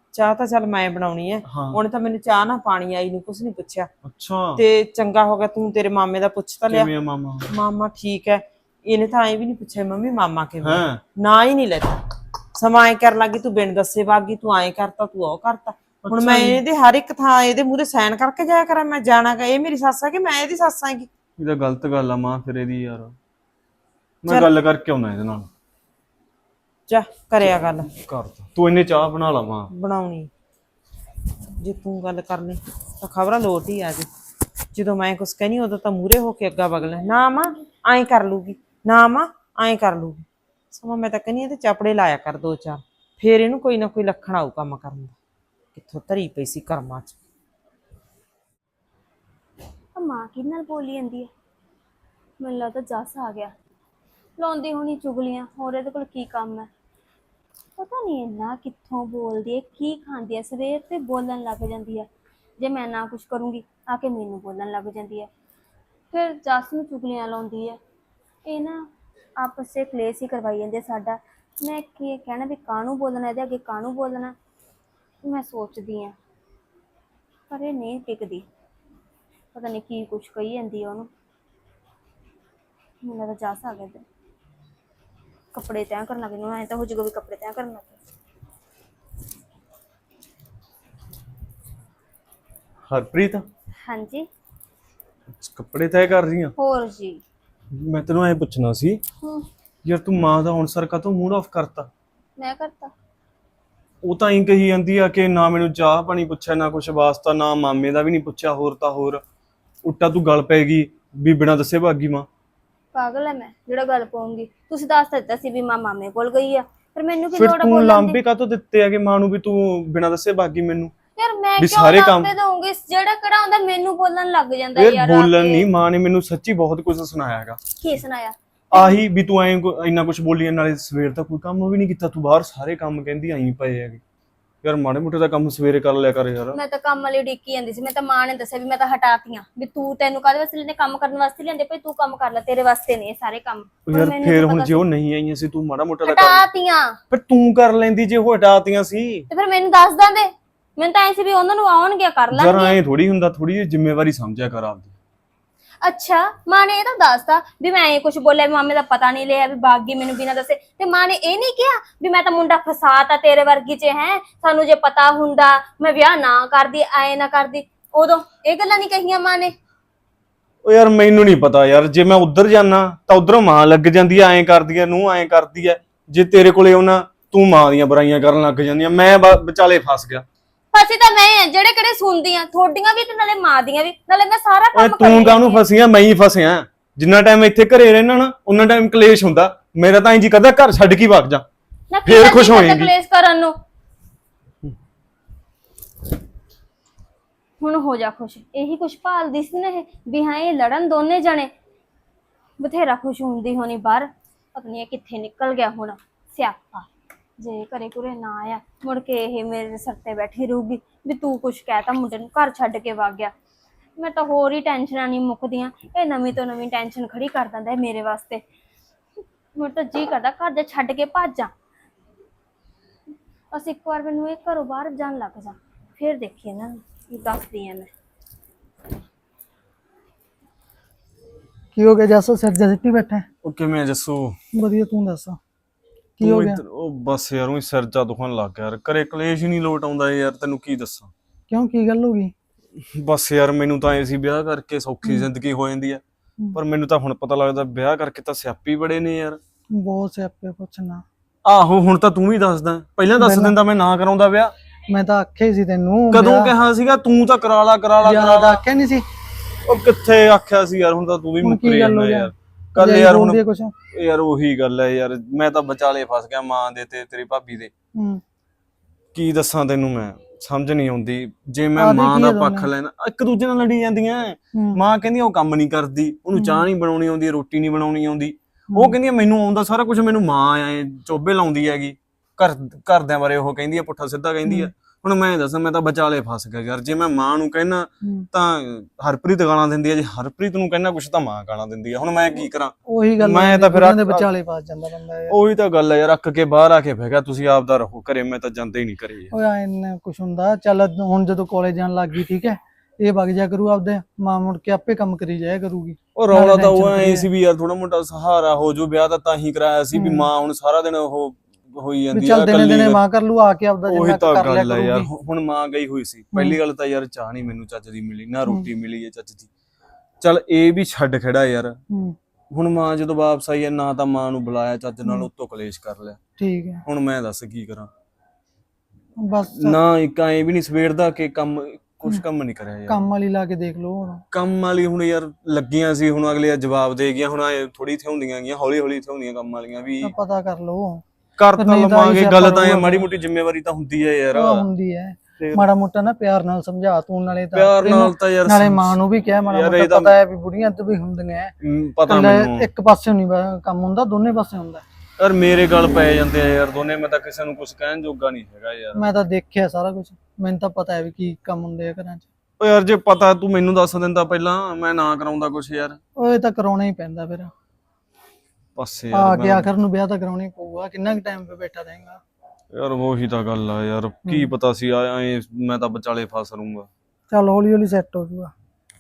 [SPEAKER 1] ਚਾਹ ਤਾਂ ਚੱਲ ਮੈਂ ਬਣਾਉਣੀ ਐ।
[SPEAKER 5] ਹਾਂ।
[SPEAKER 1] ਉਹਨੇ ਤਾਂ ਮੈਨੂੰ ਚਾਹ ਨਾ ਪਾਣੀ ਆਈ ਨੂੰ ਕੁਛ ਨਹੀਂ ਪੁੱਛਿਆ।
[SPEAKER 5] ਅੱਛਾ,
[SPEAKER 1] ਤੇ ਚੰਗਾ ਹੋ ਗਿਆ ਤੂੰ ਤੇਰੇ ਮਾਮੇ ਦਾ ਪੁੱਛ ਤਾਂ ਲਿਆ।
[SPEAKER 5] ਕਿਵੇਂ ਆ ਮਾਮਾ?
[SPEAKER 1] ਮਾਮਾ ਠੀਕ ਹੈ। ਇਹਨੇ ਤਾਂ ਐਂ ਵੀ ਨਹੀਂ ਪੁੱਛਿਆ ਮੰਮੀ ਮਾਮਾ ਕਿਵੇਂ ਆ?
[SPEAKER 5] ਹੈਂ?
[SPEAKER 1] ਨਾ ਹੀ ਨਹੀਂ ਲੈਤਾ। ਸਮਾਂ ਐਂ ਕਰਨ ਲੱਗੀ ਤੂੰ ਬਿਨ ਦੱਸੇ ਬਾਗੀ, ਤੂੰ ਐਂ ਕਰਤਾ ਤੂੰ ਉਹ ਕਰਤਾ। ਹੁਣ ਮੈਂ ਇਹਦੇ ਹਰ ਇੱਕ ਥਾਂ ਇਹਦੇ ਮੂਹਰੇ ਸਾਈਨ ਕਰਕੇ ਜਾਇਆ ਕਰਾਂ? ਮੈਂ ਜਾਣਾਗਾ ਇਹ ਮੇਰੀ ਸੱਸ ਆ ਕਿ ਮੈਂ ਇਹਦੀ ਸੱਸ ਆਂਗੀ?
[SPEAKER 5] ਇਹ ਤਾਂ ਗਲਤ ਗੱਲ ਆ ਮਾਂ ਫਿਰ ਇਹਦੀ ਯਾਰ। ਮੈਂ ਗੱਲ ਕਰਕੇ ਆਉਣਾ ਇਹਦੇ ਨਾਲ।
[SPEAKER 1] ਜਾ ਕਰਿਆ ਗੱਲ।
[SPEAKER 5] ਕਰ ਤੂੰ ਇਹਨੇ ਚਾਹ ਬਣਾ ਲਾ ਮਾਂ।
[SPEAKER 1] ਬਣਾਉਣੀ ਜੇ ਤੂੰ ਗੱਲ ਕਰਨੀ ਤਾਂ ਖਬਰਾਂ ਲੋਟ ਹੀ ਆ ਜੇ। ਜਦੋਂ ਮੈਂ ਕੁਛ ਕਹਿਨੀ ਉਦੋਂ ਤਾਂ ਮੂਹਰੇ ਹੋ ਕੇ ਅੱਗਾ ਵਗਣਾ। ਨਾ ਮਾਂ ਐਂ ਕਰ ਲੂਗੀ, ਨਾ ਮਾਂ ਐਂ ਕਰ ਲੂਗੀ। ਸਮਾਂ ਮੈਂ ਤਾਂ ਕਹਿੰਦੀ ਤੇ ਚਾਪੜੇ ਲਾਇਆ ਕਰ 2-4, ਫੇਰ ਇਹਨੂੰ ਕੋਈ ਨਾ ਕੋਈ ਲੱਖਣ ਆਊ ਕੰਮ ਕਰਨ ਦਾ। ਕਿੱਥੋਂ ਧਰੀ ਪਈ ਸੀ ਕਰਮਾਂ 'ਚ।
[SPEAKER 2] ਆ ਮਾਂ ਕਿਹਦੇ ਨਾਲ ਬੋਲੀ ਜਾਂਦੀ ਹੈ? ਮੈਨੂੰ ਲੱਗਦਾ ਜੱਸ ਆ ਗਿਆ, ਲਾਉਂਦੀ ਹੋਣੀ ਚੁਗਲੀਆਂ। ਹੋਰ ਇਹਦੇ ਕੋਲ ਕੀ ਕੰਮ ਹੈ? ਪਤਾ ਨਹੀਂ ਇੰਨਾ ਕਿੱਥੋਂ ਬੋਲਦੀ ਹੈ, ਕੀ ਖਾਂਦੀ ਹੈ। ਸਵੇਰ ਤੇ ਬੋਲਣ ਲੱਗ ਜਾਂਦੀ ਹੈ, ਜੇ ਮੈਂ ਨਾ ਕੁਝ ਕਰੂੰਗੀ ਆ ਕੇ ਮੈਨੂੰ ਬੋਲਣ ਲੱਗ ਜਾਂਦੀ ਹੈ। ਫਿਰ ਜੱਸ ਨੂੰ ਚੁਗਲੀਆਂ ਲਾਉਂਦੀ ਹੈ। ਇਹ ਨਾ ਆਪਸ 'ਚ ਕਲੇਸ਼ ਹੀ ਕਰਵਾਈ ਜਾਂਦੇ ਆ ਸਾਡਾ। ਮੈਂ ਕੀ ਕਹਿਣਾ ਵੀ ਕਾਹਨੂੰ ਬੋਲਣਾ, ਇਹਦੇ ਅੱਗੇ ਕਾਹਨੂੰ ਬੋਲਣਾ। ਮੈਂ ਸੋਚਦੀ ਹਾਂ ਪਰ ਇਹ ਨਹੀਂ ਟਿਕਦੀ। ਪਤਾ ਨਹੀਂ ਕੀ ਕੁਛ ਕਹੀ ਜਾਂਦੀ ਆ ਉਹਨੂੰ। ਮੈਨੂੰ ਲੱਗਦਾ ਜੱਸ ਆ ਗਿਆ ਇੱਧਰ। ਕੱਪੜੇ ਤੈਅ ਕਰਨ ਲੱਗ ਗਏ। ਐਂ ਤਾਂ ਹੋ ਜਾਊਗਾ ਵੀ ਕੱਪੜੇ ਤੈਅ ਕਰਨ ਲੱਗ ਗਏ।
[SPEAKER 5] ਹਰਪ੍ਰੀਤ,
[SPEAKER 2] ਹਾਂਜੀ
[SPEAKER 5] ਕੱਪੜੇ ਤੈਅ ਕਰ ਰਹੀ ਆ?
[SPEAKER 2] ਹੋਰ ਜੀ।
[SPEAKER 5] ਮੈਂ ਤੈਨੂੰ ਐ ਪੁੱਛਣਾ ਸੀ ਯਾਰ, ਤੂੰ ਮਾਂ ਦਾ ਹੁਣ ਸਰ ਕਾਹਤੋਂ ਮੂਡ ਆਫ ਕਰਤਾ?
[SPEAKER 2] ਮੈਂ ਕਰਤਾ?
[SPEAKER 5] ਉਹ ਤਾਂ ਐਂ ਕਹੀ ਜਾਂਦੀ ਆ ਕਿ ਨਾ ਮੈਨੂੰ ਚਾਹ ਪਾਣੀ ਪੁੱਛਿਆ, ਨਾ ਕੁਛ ਵਾਸਤਾ, ਨਾ ਮਾਮੇ ਦਾ ਵੀ ਨਹੀਂ ਪੁੱਛਿਆ। ਹੋਰ ਤਾਂ ਹੋਰ ਉੱਟਾ ਤੂੰ ਗੱਲ ਪੈ ਗਈ ਵੀ ਬਿਨਾਂ ਦੱਸੇ ਭਾਗੀ ਮਾਂ।
[SPEAKER 2] ਪਾਗਲ ਹੈ ਮੈਂ ਜਿਹੜਾ ਗੱਲ ਪਾਉਂਗੀ? ਤੁਸੀਂ ਦੱਸ ਦਿੱਤਾ ਸੀ ਵੀ ਮਾਂ ਮਾਮੇ ਕੋਲ ਗਈ ਆ, ਫਿਰ ਮੈਨੂੰ ਕੀ
[SPEAKER 5] ਫਿਰ
[SPEAKER 2] ਲੋੜ ਆ
[SPEAKER 5] ਤੂੰ
[SPEAKER 2] ਬੋਲਣ
[SPEAKER 5] ਲਾਂਬੇ
[SPEAKER 2] ਦੀ?
[SPEAKER 5] ਕਾਹਤੋਂ ਦਿੱਤੇ ਹੈਗੇ ਮਾਂ ਨੂੰ ਵੀ ਤੂੰ ਬਿਨਾਂ ਦੱਸੇ ਭਾਗੀ ਮੈਨੂੰ?
[SPEAKER 2] ਯਾਰ ਮੈਂ
[SPEAKER 5] ਵੀ
[SPEAKER 2] ਕਿਉਂ
[SPEAKER 5] ਸਾਰੇ ਕੰਮ-
[SPEAKER 2] ਲਾਂਬੇ ਦਊਂਗੀ? ਜਿਹੜਾ ਕਿਹੜਾ ਹੁੰਦਾ ਮੈਨੂੰ ਬੋਲਣ ਲੱਗ ਜਾਂਦਾ
[SPEAKER 5] ਯਾਰ
[SPEAKER 2] ਯਾਰ। ਆ
[SPEAKER 5] ਬੋਲਣ
[SPEAKER 2] ਕੇ।
[SPEAKER 5] ਨਹੀਂ, ਮਾਂ ਨੇ ਮੈਨੂੰ ਸੱਚੀ ਬਹੁਤ ਕੁਝ ਸੁਣਾਇਆ ਹੈਗਾ।
[SPEAKER 2] ਕੀ ਸੁਣਾਇਆ?
[SPEAKER 5] ਆਹੀ ਵੀ ਤੂੰ ਐਂ ਇੰਨਾ ਕੁਝ ਬੋਲੀ, ਨਾਲੇ ਸਵੇਰ ਤੱਕ ਕੋਈ ਕੰਮ ਵੀ ਨਹੀਂ ਕੀਤਾ ਤੂੰ। ਬਾਹਰ ਸਾਰੇ ਕੰਮ ਕਹਿੰਦੀ ਆਈ ਪਏ ਹੈਗੇ। ਯਾਰ ਮਾੜੇ ਮੋਟੇ ਦਾ ਕੰਮ ਸਵੇਰੇ ਕਰ ਲਿਆ ਕਰ ਯਾਰ।
[SPEAKER 2] ਮੈਂ ਤਾਂ ਕੰਮ ਵਾਲੀ ਉਡੀਕੀ ਜਾਂਦੀ ਸੀ। ਮੈਂ ਤਾਂ ਮਾਂ ਨੇ ਦੱਸਿਆ ਵੀ ਮੈਂ ਤਾਂ ਹਟਾਤੀਆਂ ਵੀ ਤੈਨੂੰ ਕਾਹਦੇ ਵਾਸਤੇ ਲੈਣੇ? ਕੰਮ ਕਰਨ ਵਾਸਤੇ ਲਿਆਂਦੇ ਭਈ, ਤੂੰ ਕੰਮ ਕਰ ਲੈ, ਤੇਰੇ ਵਾਸਤੇ ਨੇ ਇਹ ਸਾਰੇ ਕੰਮ।
[SPEAKER 5] ਯਾਰ ਫੇਰ ਹੁਣ ਜੇ ਉਹ ਨਹੀਂ ਆਈਆਂ ਸੀ, ਤੂੰ ਮਾੜਾ ਮੋਟਾ ਦਾ ਕਰ
[SPEAKER 2] ਹਟਾਤੀਆਂ
[SPEAKER 5] ਪਰ ਤੂੰ ਕਰ ਲੈਂਦੀ ਜੇ ਉਹ ਹਟਾਤੀਆਂ ਸੀ।
[SPEAKER 2] ਤੇ ਫਿਰ ਮੈਨੂੰ ਦੱਸ ਦਿੰਦੇ। ਮੈਨੂੰ ਤਾਂ ਐ ਸੀ ਵੀ ਉਹਨਾਂ ਨੂੰ ਆਉਣਗੇ ਕਰ
[SPEAKER 5] ਯਾਰ
[SPEAKER 2] ਲਾਂਗੇ।
[SPEAKER 5] ਐਂ ਥੋੜੀ ਹੁੰਦਾ, ਥੋੜੀ ਜਿਹੀ ਜ਼ਿੰਮੇਵਾਰੀ ਸਮਝਿਆ ਕਰ ਆਪਦੀ।
[SPEAKER 2] ਅੱਛਾ ਮਾਂ ਨੇ ਇਹ ਤਾਂ ਦੱਸਤਾ ਵੀ ਮੈਂ ਇਹ ਕੁਝ ਬੋਲਿਆ ਵੀ ਮਾਮੇ ਦਾ ਪਤਾ ਨਹੀਂ ਲਿਆ ਵੀ ਬਾਗੀ ਮੈਨੂੰ ਬਿਨਾਂ ਦੱਸੇ। ਤੇ ਮਾਂ ਨੇ ਇਹ ਨਹੀਂ ਕਿਹਾ ਵੀ ਮੈਂ ਤਾਂ ਮੁੰਡਾ ਫਸਾਤਾ ਤੇਰੇ ਵਰਗੀ ਚ ਹੈ, ਸਾਨੂੰ ਜੇ ਪਤਾ ਹੁੰਦਾ ਮੈਂ ਵਿਆਹ ਨਾ ਕਰਦੀ, ਐ ਨਾ ਕਰਦੀ। ਉਦੋਂ ਇਹ ਗੱਲਾਂ ਨਹੀਂ ਕਹੀਆਂ ਮਾਂ ਨੇ?
[SPEAKER 5] ਉਹ ਯਾਰ ਮੈਨੂੰ ਨਹੀਂ ਪਤਾ ਯਾਰ, ਜੇ ਮੈਂ ਉੱਧਰ ਜਾਣਾ ਤਾਂ ਉਧਰੋਂ ਮਾਂ ਲੱਗ ਜਾਂਦੀ ਐ, ਐਂ ਕਰਦੀ ਐ ਨੂੰ, ਐਂ ਕਰਦੀ ਐ। ਜੇ ਤੇਰੇ ਕੋਲੇ ਆਉਣਾ ਤੂੰ ਮਾਂ ਦੀਆਂ ਬੁਰਾਈਆਂ ਕਰਨ ਲੱਗ ਜਾਂਦੀ ਆ। ਮੈਂ ਵਿਚਾਲੇ ਫਸ ਗਿਆ।
[SPEAKER 2] ਫਸੀ ਤਾਂ ਮੈਂ ਆ ਜਿਹੜੇ ਕਿਹੜੇ ਸੁਣਦੀਆਂ, ਥੋਡੀਆਂ ਵੀ ਤੇ ਨਾਲੇ ਮਾਂ ਦੀਆਂ ਵੀ, ਨਾਲੇ ਮੈਂ ਸਾਰਾ
[SPEAKER 5] ਓਏ
[SPEAKER 2] ਕੰਮ
[SPEAKER 5] ਤੂੰ ਕਾਹਨੂੰ ਫਸੀਆਂ? ਮੈਂ ਹੀ ਫਸਿਆ। ਜਿੰਨਾ ਟਾਈਮ ਇੱਥੇ ਘਰੇ ਰਹਿਣਾ ਨਾ ਉਹਨਾਂ ਟਾਈਮ ਕਲੇਸ਼ ਹੁੰਦਾ। ਮੇਰਾ ਤਾਂ ਇੰਜ ਹੀ ਕਰਦਾ ਘਰ ਛੱਡ ਕੇ ਵਗ ਜਾ,
[SPEAKER 2] ਨਾ
[SPEAKER 5] ਫੇਰ
[SPEAKER 2] ਕਿਹੜਾ
[SPEAKER 5] ਖੁਸ਼
[SPEAKER 2] ਚੀਜ਼ ਦਾ
[SPEAKER 5] ਹੋਏਗੀ।
[SPEAKER 2] ਕਲੇਸ਼ ਕਰਨ ਨੂੰ। ਹੁਣ ਹੋ ਜਾ ਖੁਸ਼। ਇਹੀ ਕੁਛ ਭਾਲਦੀ ਸੀ ਨਾ ਇਹ ਵੀ ਹਾਂ ਇਹ ਲੜਨ ਦੋਨੇ ਜਣੇ। ਬਥੇਰਾ ਖੁਸ਼ ਹੁੰਦੀ ਹੋਣੀ ਬਾਹਰ, ਪਤਾ ਨਹੀਂ ਕਿੱਥੇ ਨਿਕਲ ਗਿਆ ਹੁਣ ਸਿਆਪਾ। ਜੇ ਘਰੇ ਘੁਰੇ ਨਾ ਆਇਆ ਮੁੜ ਕੇ ਇਹ ਮੇਰੇ ਸਿਰ ਤੇ ਬੈਠੀ ਰਹੂਗੀ ਵੀ ਤੂੰ ਕੁਛ ਕਹਿਤਾ ਮੁੰਡੇ ਨੂੰ, ਘਰ ਛੱਡ ਕੇ ਵਗ ਗਿਆ। ਮੈਂ ਤਾਂ ਹੋਰ ਹੀ ਟੈਨਸ਼ਨਾਂ ਨਹੀਂ ਮੁੱਕਦੀਆਂ। ਇਹ ਨਵੀਂ ਤੋਂ ਨਵੀਂ ਟੈਨਸ਼ਨ ਖੜੀ ਕਰ ਦਿੰਦਾ ਮੇਰੇ ਵਾਸਤੇ। ਮੇਰੇ ਤਾਂ ਜੀ ਕਰਦਾ ਘਰ ਦੇ ਛੱਡ ਕੇ ਭੱਜ ਜਾ। ਬਸ ਇੱਕ ਵਾਰ ਮੈਨੂੰ ਇਹ ਘਰੋਂ ਬਾਹਰ ਜਾਣ ਲੱਗ ਜਾ, ਫਿਰ ਦੇਖੀ ਇਹਨਾਂ ਨੂੰ ਕੀ ਦੱਸਦੀ ਆ ਮੈਂ।
[SPEAKER 6] ਕੀ ਹੋ ਗਿਆ ਜੱਸ? ਸਿਰ ਜਾ ਸਿੱਟੀ ਬੈਠਾ ਹੈ?
[SPEAKER 5] ਉਹ ਕਿਵੇਂ ਜੱਸੂ?
[SPEAKER 6] ਵਧੀਆ, ਤੂੰ ਦੱਸ ਕੀ ਹੋ ਗਿਆ?
[SPEAKER 5] ਉਹ ਬਸ ਯਾਰ ਉਹੀ ਸਿਰ ਜਾ ਦੁਖਣ ਲੱਗ ਗਿਆ ਯਾਰ। ਘਰੇ ਕਲੇਸ਼ ਹੀ ਨਹੀਂ ਲੋਟ ਆਉਂਦਾ ਯਾਰ, ਤੈਨੂੰ ਕੀ ਦੱਸਾਂ।
[SPEAKER 6] ਕਿਉਂ, ਕੀ ਗੱਲ ਹੋ ਗਈ?
[SPEAKER 5] ਬਸ ਯਾਰ ਮੈਨੂੰ ਤਾਂ ਐ ਸੀ ਵਿਆਹ ਕਰਕੇ ਸੌਖੀ ਜ਼ਿੰਦਗੀ ਹੋ ਜਾਂਦੀ ਆ, ਪਰ ਮੈਨੂੰ ਤਾਂ ਹੁਣ ਪਤਾ ਲੱਗਦਾ ਵਿਆਹ ਕਰਕੇ ਤਾਂ ਸਿਆਪੀ ਬੜੇ ਨੇ ਯਾਰ।
[SPEAKER 6] ਬਹੁਤ ਸਿਆਪੇ, ਪੁੱਛਣਾ।
[SPEAKER 5] ਆਹੋ ਹੁਣ ਤਾਂ ਤੂੰ ਵੀ ਦੱਸਦਾ, ਪਹਿਲਾਂ ਦੱਸ ਦਿੰਦਾ ਮੈਂ ਨਾ ਕਰਾਉਂਦਾ ਵਿਆਹ।
[SPEAKER 6] ਮੈਂ ਤਾਂ ਆਖਿਆ ਹੀ ਸੀ ਤੈਨੂੰ।
[SPEAKER 5] ਕਦੋਂ ਕਿਹਾ ਸੀਗਾ ਤੂੰ ਤਾਂ ਕਰਾ ਲਾ
[SPEAKER 6] ਯਾਦ ਆਖਿਆ ਨਹੀਂ ਸੀ?
[SPEAKER 5] ਉਹ ਕਿੱਥੇ ਆਖਿਆ ਸੀ ਯਾਰ, ਹੁਣ ਤਾਂ ਤੂੰ ਵੀ
[SPEAKER 6] ਹੁਣ ਕੀ
[SPEAKER 5] ਮੁੱਕਰੀ
[SPEAKER 6] ਗੱਲ ਹੋ
[SPEAKER 5] ਜਾਂਦਾ
[SPEAKER 6] ਗਿਆ?
[SPEAKER 5] ਯਾਰ। ਕੱਲ ਯਾਰ ਹੁਣ
[SPEAKER 6] ਬੋਲਦੀ ਕੁਛ?
[SPEAKER 5] ਯਾਰ ਉਹੀ ਗੱਲ ਹੈ ਯਾਰ, ਮੈਂ ਤਾਂ ਵਿਚਾਲੇ ਫਸ ਗਿਆ ਮਾਂ ਦੇ ਤੇ ਤੇਰੀ ਭਾਬੀ ਦੇ। ਕੀ ਦੱਸਾਂ ਤੈਨੂੰ, ਮੈਂ ਸਮਝ ਨਹੀਂ ਆਉਂਦੀ। ਜੇ ਮੈਂ ਮਾਂ ਦਾ ਪੱਖ ਲੈਣਾ, ਇੱਕ ਦੂਜੇ ਨਾਲ ਲੜੀ ਜਾਂਦੀਆਂ। ਮਾਂ ਕਹਿੰਦੀ ਉਹ ਕੰਮ ਨਹੀਂ ਕਰਦੀ, ਉਹਨੂੰ ਚਾਹ ਨਹੀਂ ਬਣਾਉਣੀ ਆਉਂਦੀ, ਰੋਟੀ ਨਹੀਂ ਬਣਾਉਣੀ ਆਉਂਦੀ। ਉਹ ਕਹਿੰਦੀ ਮੈਨੂੰ ਆਉਂਦਾ ਸਾਰਾ ਕੁਝ, ਮੈਨੂੰ ਮਾਂ ਐ ਚੋਬੇ ਲਾਉਂਦੀ ਹੈਗੀ। ਘਰਦਿਆਂ ਬਾਰੇ ਉਹ ਕਹਿੰਦੀ ਆ, ਪੁੱਠਾ ਸਿੱਧਾ ਕਹਿੰਦੀ ਆ। ਹੁਣ ਮੈਂ ਦੱਸਾਂ, ਮੈਂ ਤਾਂ ਵਿਚਾਲੇ ਫਸ ਗਿਆ ਯਾਰ। ਜੇ ਮੈਂ ਮਾਂ ਨੂੰ ਕਹਿਣਾ
[SPEAKER 6] ਹੂੰ।
[SPEAKER 5] ਤਾਂ ਹਰਪ੍ਰੀਤ ਗਾਲਾਂ ਦਿੰਦੀ ਹੈ, ਜੇ ਹਰਪ੍ਰੀਤ ਨੂੰ ਕਹਿਣਾ ਕੁਛ ਤਾਂ ਮਾਂ ਗਾਲਾਂ ਦਿੰਦੀ ਹੈ। ਹੁਣ ਮੈਂ ਕੀ ਕਰਾਂ?
[SPEAKER 6] ਉਹੀ ਗੱਲ
[SPEAKER 5] ਮੈਂ
[SPEAKER 6] ਹੈ,
[SPEAKER 5] ਤਾਂ ਫਿਰ
[SPEAKER 6] ਬੁੜੀਆਂ ਦੇ ਵਿਚਾਲੇ ਫਸ ਜਾਂਦਾ ਬੰਦਾ ਯਾਰ।
[SPEAKER 5] ਉਹੀ ਤਾਂ ਗੱਲ ਹੈ ਯਾਰ, ਅੱਕ ਕੇ ਬਾਹਰ ਆ ਕੇ ਬਹਿ ਗਿਆ, ਤੁਸੀਂ ਆਪਦਾ ਰਹੋ ਘਰੇ, ਮੈਂ ਤਾਂ ਜਾਂਦਾ ਹੀ ਨਹੀਂ ਘਰੇ ਯਾਰ।
[SPEAKER 6] ਓਏ ਐ ਇੰਨਾ ਕੁਛ ਹੁੰਦਾ। ਚੱਲ ਹੁਣ ਜਦੋਂ ਕਾਲਜ ਜਾਣ ਲੱਗ ਗਈ ਠੀਕ ਹੈ, ਇਹ ਵਗ ਜਾ ਕਰੂ ਆਪਦੇ, ਮਾਂ ਮੁੜ ਕੇ ਆਪੇ ਕੰਮ ਕਰੀ ਜਾਇਆ ਕਰੂਗੀ।
[SPEAKER 5] ਉਹ ਰੌਲਾ
[SPEAKER 6] ਨਾਲੇ
[SPEAKER 5] ਤਾਂ ਉਹ
[SPEAKER 6] tension
[SPEAKER 5] ਐ
[SPEAKER 6] free
[SPEAKER 5] ਸੀ ਵੀ ਯਾਰ ਥੋੜਾ ਮੋਟਾ ਸਹਾਰਾ ਹੋ ਜੋ। ਵਿਆਹ ਤਾਂ ਹੀ ਕਰਾਇਆ ਸੀ ਵੀ ਮਾਂ ਹੁਣ ਸਾਰਾ ਦਿਨ ਉਹ ਹੋਈ
[SPEAKER 6] ਵੀ
[SPEAKER 5] ਜਾਂਦੀ
[SPEAKER 6] ਚੱਲ
[SPEAKER 5] ਆ
[SPEAKER 6] ਦਿਨੇ ਦਿਨੇ
[SPEAKER 5] ਇਕੱਲੀ।
[SPEAKER 6] ਮਾਂ ਕਰ ਲੂ, ਆ ਕੇ ਆਪਦਾ
[SPEAKER 5] ਉਹੀ
[SPEAKER 6] ਜਿੰਨਾ
[SPEAKER 5] ਤਾਂ
[SPEAKER 6] ਕਰ ਲਿਆ
[SPEAKER 5] ਗੱਲ ਹੈ ਯਾਰ।
[SPEAKER 6] ਕਰੂਗੀ।
[SPEAKER 5] ਹੁਣ ਮਾਂ ਗਈ ਹੋਈ ਸੀ, ਪਹਿਲੀ ਗੱਲ ਤਾਂ ਯਾਰ ਚਾਹ ਨਹੀਂ ਮੈਨੂੰ ਚੱਜ ਦੀ ਮਿਲੀ, ਨਾ ਰੋਟੀ ਮਿਲੀ ਹੈ ਚੱਜ ਦੀ। ਚੱਲ ਇਹ ਵੀ ਛੱਡ ਖੜਾ ਯਾਰ।
[SPEAKER 6] ਹੂੰ
[SPEAKER 5] ਹੁਣ ਮਾਂ ਜਦੋਂ ਵਾਪਸ ਆਈ ਹੈ, ਨਾ ਤਾਂ ਮਾਂ ਨੂੰ ਬੁਲਾਇਆ ਚੱਜ ਨਾਲ, ਉੱਤੋਂ ਕਲੇਸ਼ ਕਰ ਲਿਆ।
[SPEAKER 6] ਠੀਕ ਹੈ
[SPEAKER 5] ਹੁਣ ਮੈਂ ਦੱਸ ਕੀ ਕਰਾਂ?
[SPEAKER 6] ਬਸ
[SPEAKER 5] ਨਾ ਇੱਕ ਐ ਵੀ ਨਹੀਂ ਸਵੇਰਦਾ ਕਿ ਕੰਮ ਕੁਛ ਕੰਮ ਨਹੀਂ ਕਰਿਆ ਯਾਰ।
[SPEAKER 6] ਕੰਮ ਵਾਲੀ ਲਾ ਕੇ ਦੇਖ ਲਓ ਹੁਣ।
[SPEAKER 5] ਕੰਮ ਵਾਲੀ ਹੁਣ ਯਾਰ ਲੱਗੀਆਂ ਸੀ, ਹੁਣ ਅਗਲੇ ਜਵਾਬ ਦੇ ਗਈਆਂ। ਹੁਣ ਐ ਥੋੜੀ ਇੱਥੇ ਹੁੰਦੀਆਂ ਗਈਆਂ, ਹੌਲੀ ਹੌਲੀ ਇੱਥੇ ਹੁੰਦੀਆਂ ਕੰਮ ਵਾਲੀਆਂ ਵੀ।
[SPEAKER 6] ਤਾਂ ਪਤਾ ਕਰ ਲਓ।
[SPEAKER 5] ਕਰ
[SPEAKER 6] ਪਰ
[SPEAKER 5] ਤਾਂ
[SPEAKER 6] ਨਹੀਂ ਤਾਂ
[SPEAKER 5] ਲਵਾਂਗੇ,
[SPEAKER 6] ਇਹ
[SPEAKER 5] ਗੱਲ
[SPEAKER 6] ਸਿਆਪਾ
[SPEAKER 5] ਤਾਂ ਇਹ
[SPEAKER 6] ਰਹੂਗਾ
[SPEAKER 5] ਮਾੜੀ
[SPEAKER 6] ਫਿਰ।
[SPEAKER 5] ਮੋਟੀ ਜ਼ਿੰਮੇਵਾਰੀ ਤਾਂ ਹੁੰਦੀ ਹੈ ਯਾਰ।
[SPEAKER 6] ਉਹ ਹੁੰਦੀ ਹੈ,
[SPEAKER 5] ਫਿਰ
[SPEAKER 6] ਮਾੜਾ ਮੋਟਾ ਨਾ ਪਿਆਰ ਨਾਲ ਸਮਝਾ ਤੂੰ, ਨਾਲੇ ਤਾਂ
[SPEAKER 5] ਪਿਆਰ
[SPEAKER 6] ਇਹਨੂੰ-
[SPEAKER 5] ਨਾਲ ਤਾਂ ਯਾਰ
[SPEAKER 6] ਨਾਲੇ ਮਾਂ ਨੂੰ ਵੀ ਕਹਿ, ਮਾੜਾ
[SPEAKER 5] ਯਾਰ
[SPEAKER 6] ਮੋਟਾ
[SPEAKER 5] ਇਹ ਤਾਂ-
[SPEAKER 6] ਪਤਾ ਹੈ ਵੀ ਬੁੜੀਆਂ ਤੇ ਵੀ ਹੁੰਦੀਆਂ।
[SPEAKER 5] ਪਤਾ
[SPEAKER 6] ਇਕੱਲੇ
[SPEAKER 5] ਮੈਨੂੰ
[SPEAKER 6] ਇੱਕ ਪਾਸੇ ਨਹੀਂ ਕੰਮ ਹੁੰਦਾ, ਦੋਨੇ ਪਾਸੇ ਹੁੰਦਾ।
[SPEAKER 5] ਯਾਰ ਮੇਰੇ ਗੱਲ ਪੈ ਜਾਂਦੇ ਆ ਯਾਰ ਦੋਨੇ। ਮੈਂ ਤਾਂ ਕਿਸੇ ਨੂੰ ਕੁਝ ਕਹਿਣ ਜੋਗਾ ਨਹੀਂ ਹੈਗਾ ਯਾਰ।
[SPEAKER 6] ਮੈਂ ਤਾਂ ਦੇਖਿਆ ਸਾਰਾ ਕੁਝ, ਮੈਨੂੰ ਤਾਂ ਪਤਾ ਹੈ ਵੀ ਕੀ ਕੰਮ ਹੁੰਦੇ ਆ ਘਰਾਂ 'ਚ।
[SPEAKER 5] ਓ ਯਾਰ ਜੇ ਪਤਾ ਤੂੰ ਮੈਨੂੰ ਦੱਸ ਦਿੰਦਾ ਪਹਿਲਾਂ, ਮੈਂ ਨਾ ਕਰਾਉਂਦਾ ਕੁਛ ਯਾਰ।
[SPEAKER 6] ਉਹ ਇਹ ਤਾਂ ਕਰਾਉਣਾ ਹੀ ਪੈਂਦਾ ਫਿਰ।
[SPEAKER 5] ਪਾਸੇ
[SPEAKER 6] ਆ
[SPEAKER 5] ਯਾਰ
[SPEAKER 6] ਕੇ ਆਖਰ ਨੂੰ ਵਿਆਹ ਤਾਂ ਕਰਾਉਣਾ ਹੀ ਪਊਗਾ, ਕਿੰਨਾ ਕੁ ਟਾਈਮ 'ਤੇ ਬੈਠਾ ਰਹੇਗਾ।
[SPEAKER 5] ਯਾਰ ਉਹੀ ਤਾਂ ਗੱਲ ਆ ਯਾਰ, ਕੀ ਪਤਾ ਸੀ ਐ ਮੈਂ ਤਾਂ ਵਿਚਾਲੇ ਫਸ ਰਹੂੰਗਾ।
[SPEAKER 6] ਚੱਲ ਹੌਲੀ ਹੌਲੀ ਸੈੱਟ ਹੋ ਜਾਊਗਾ।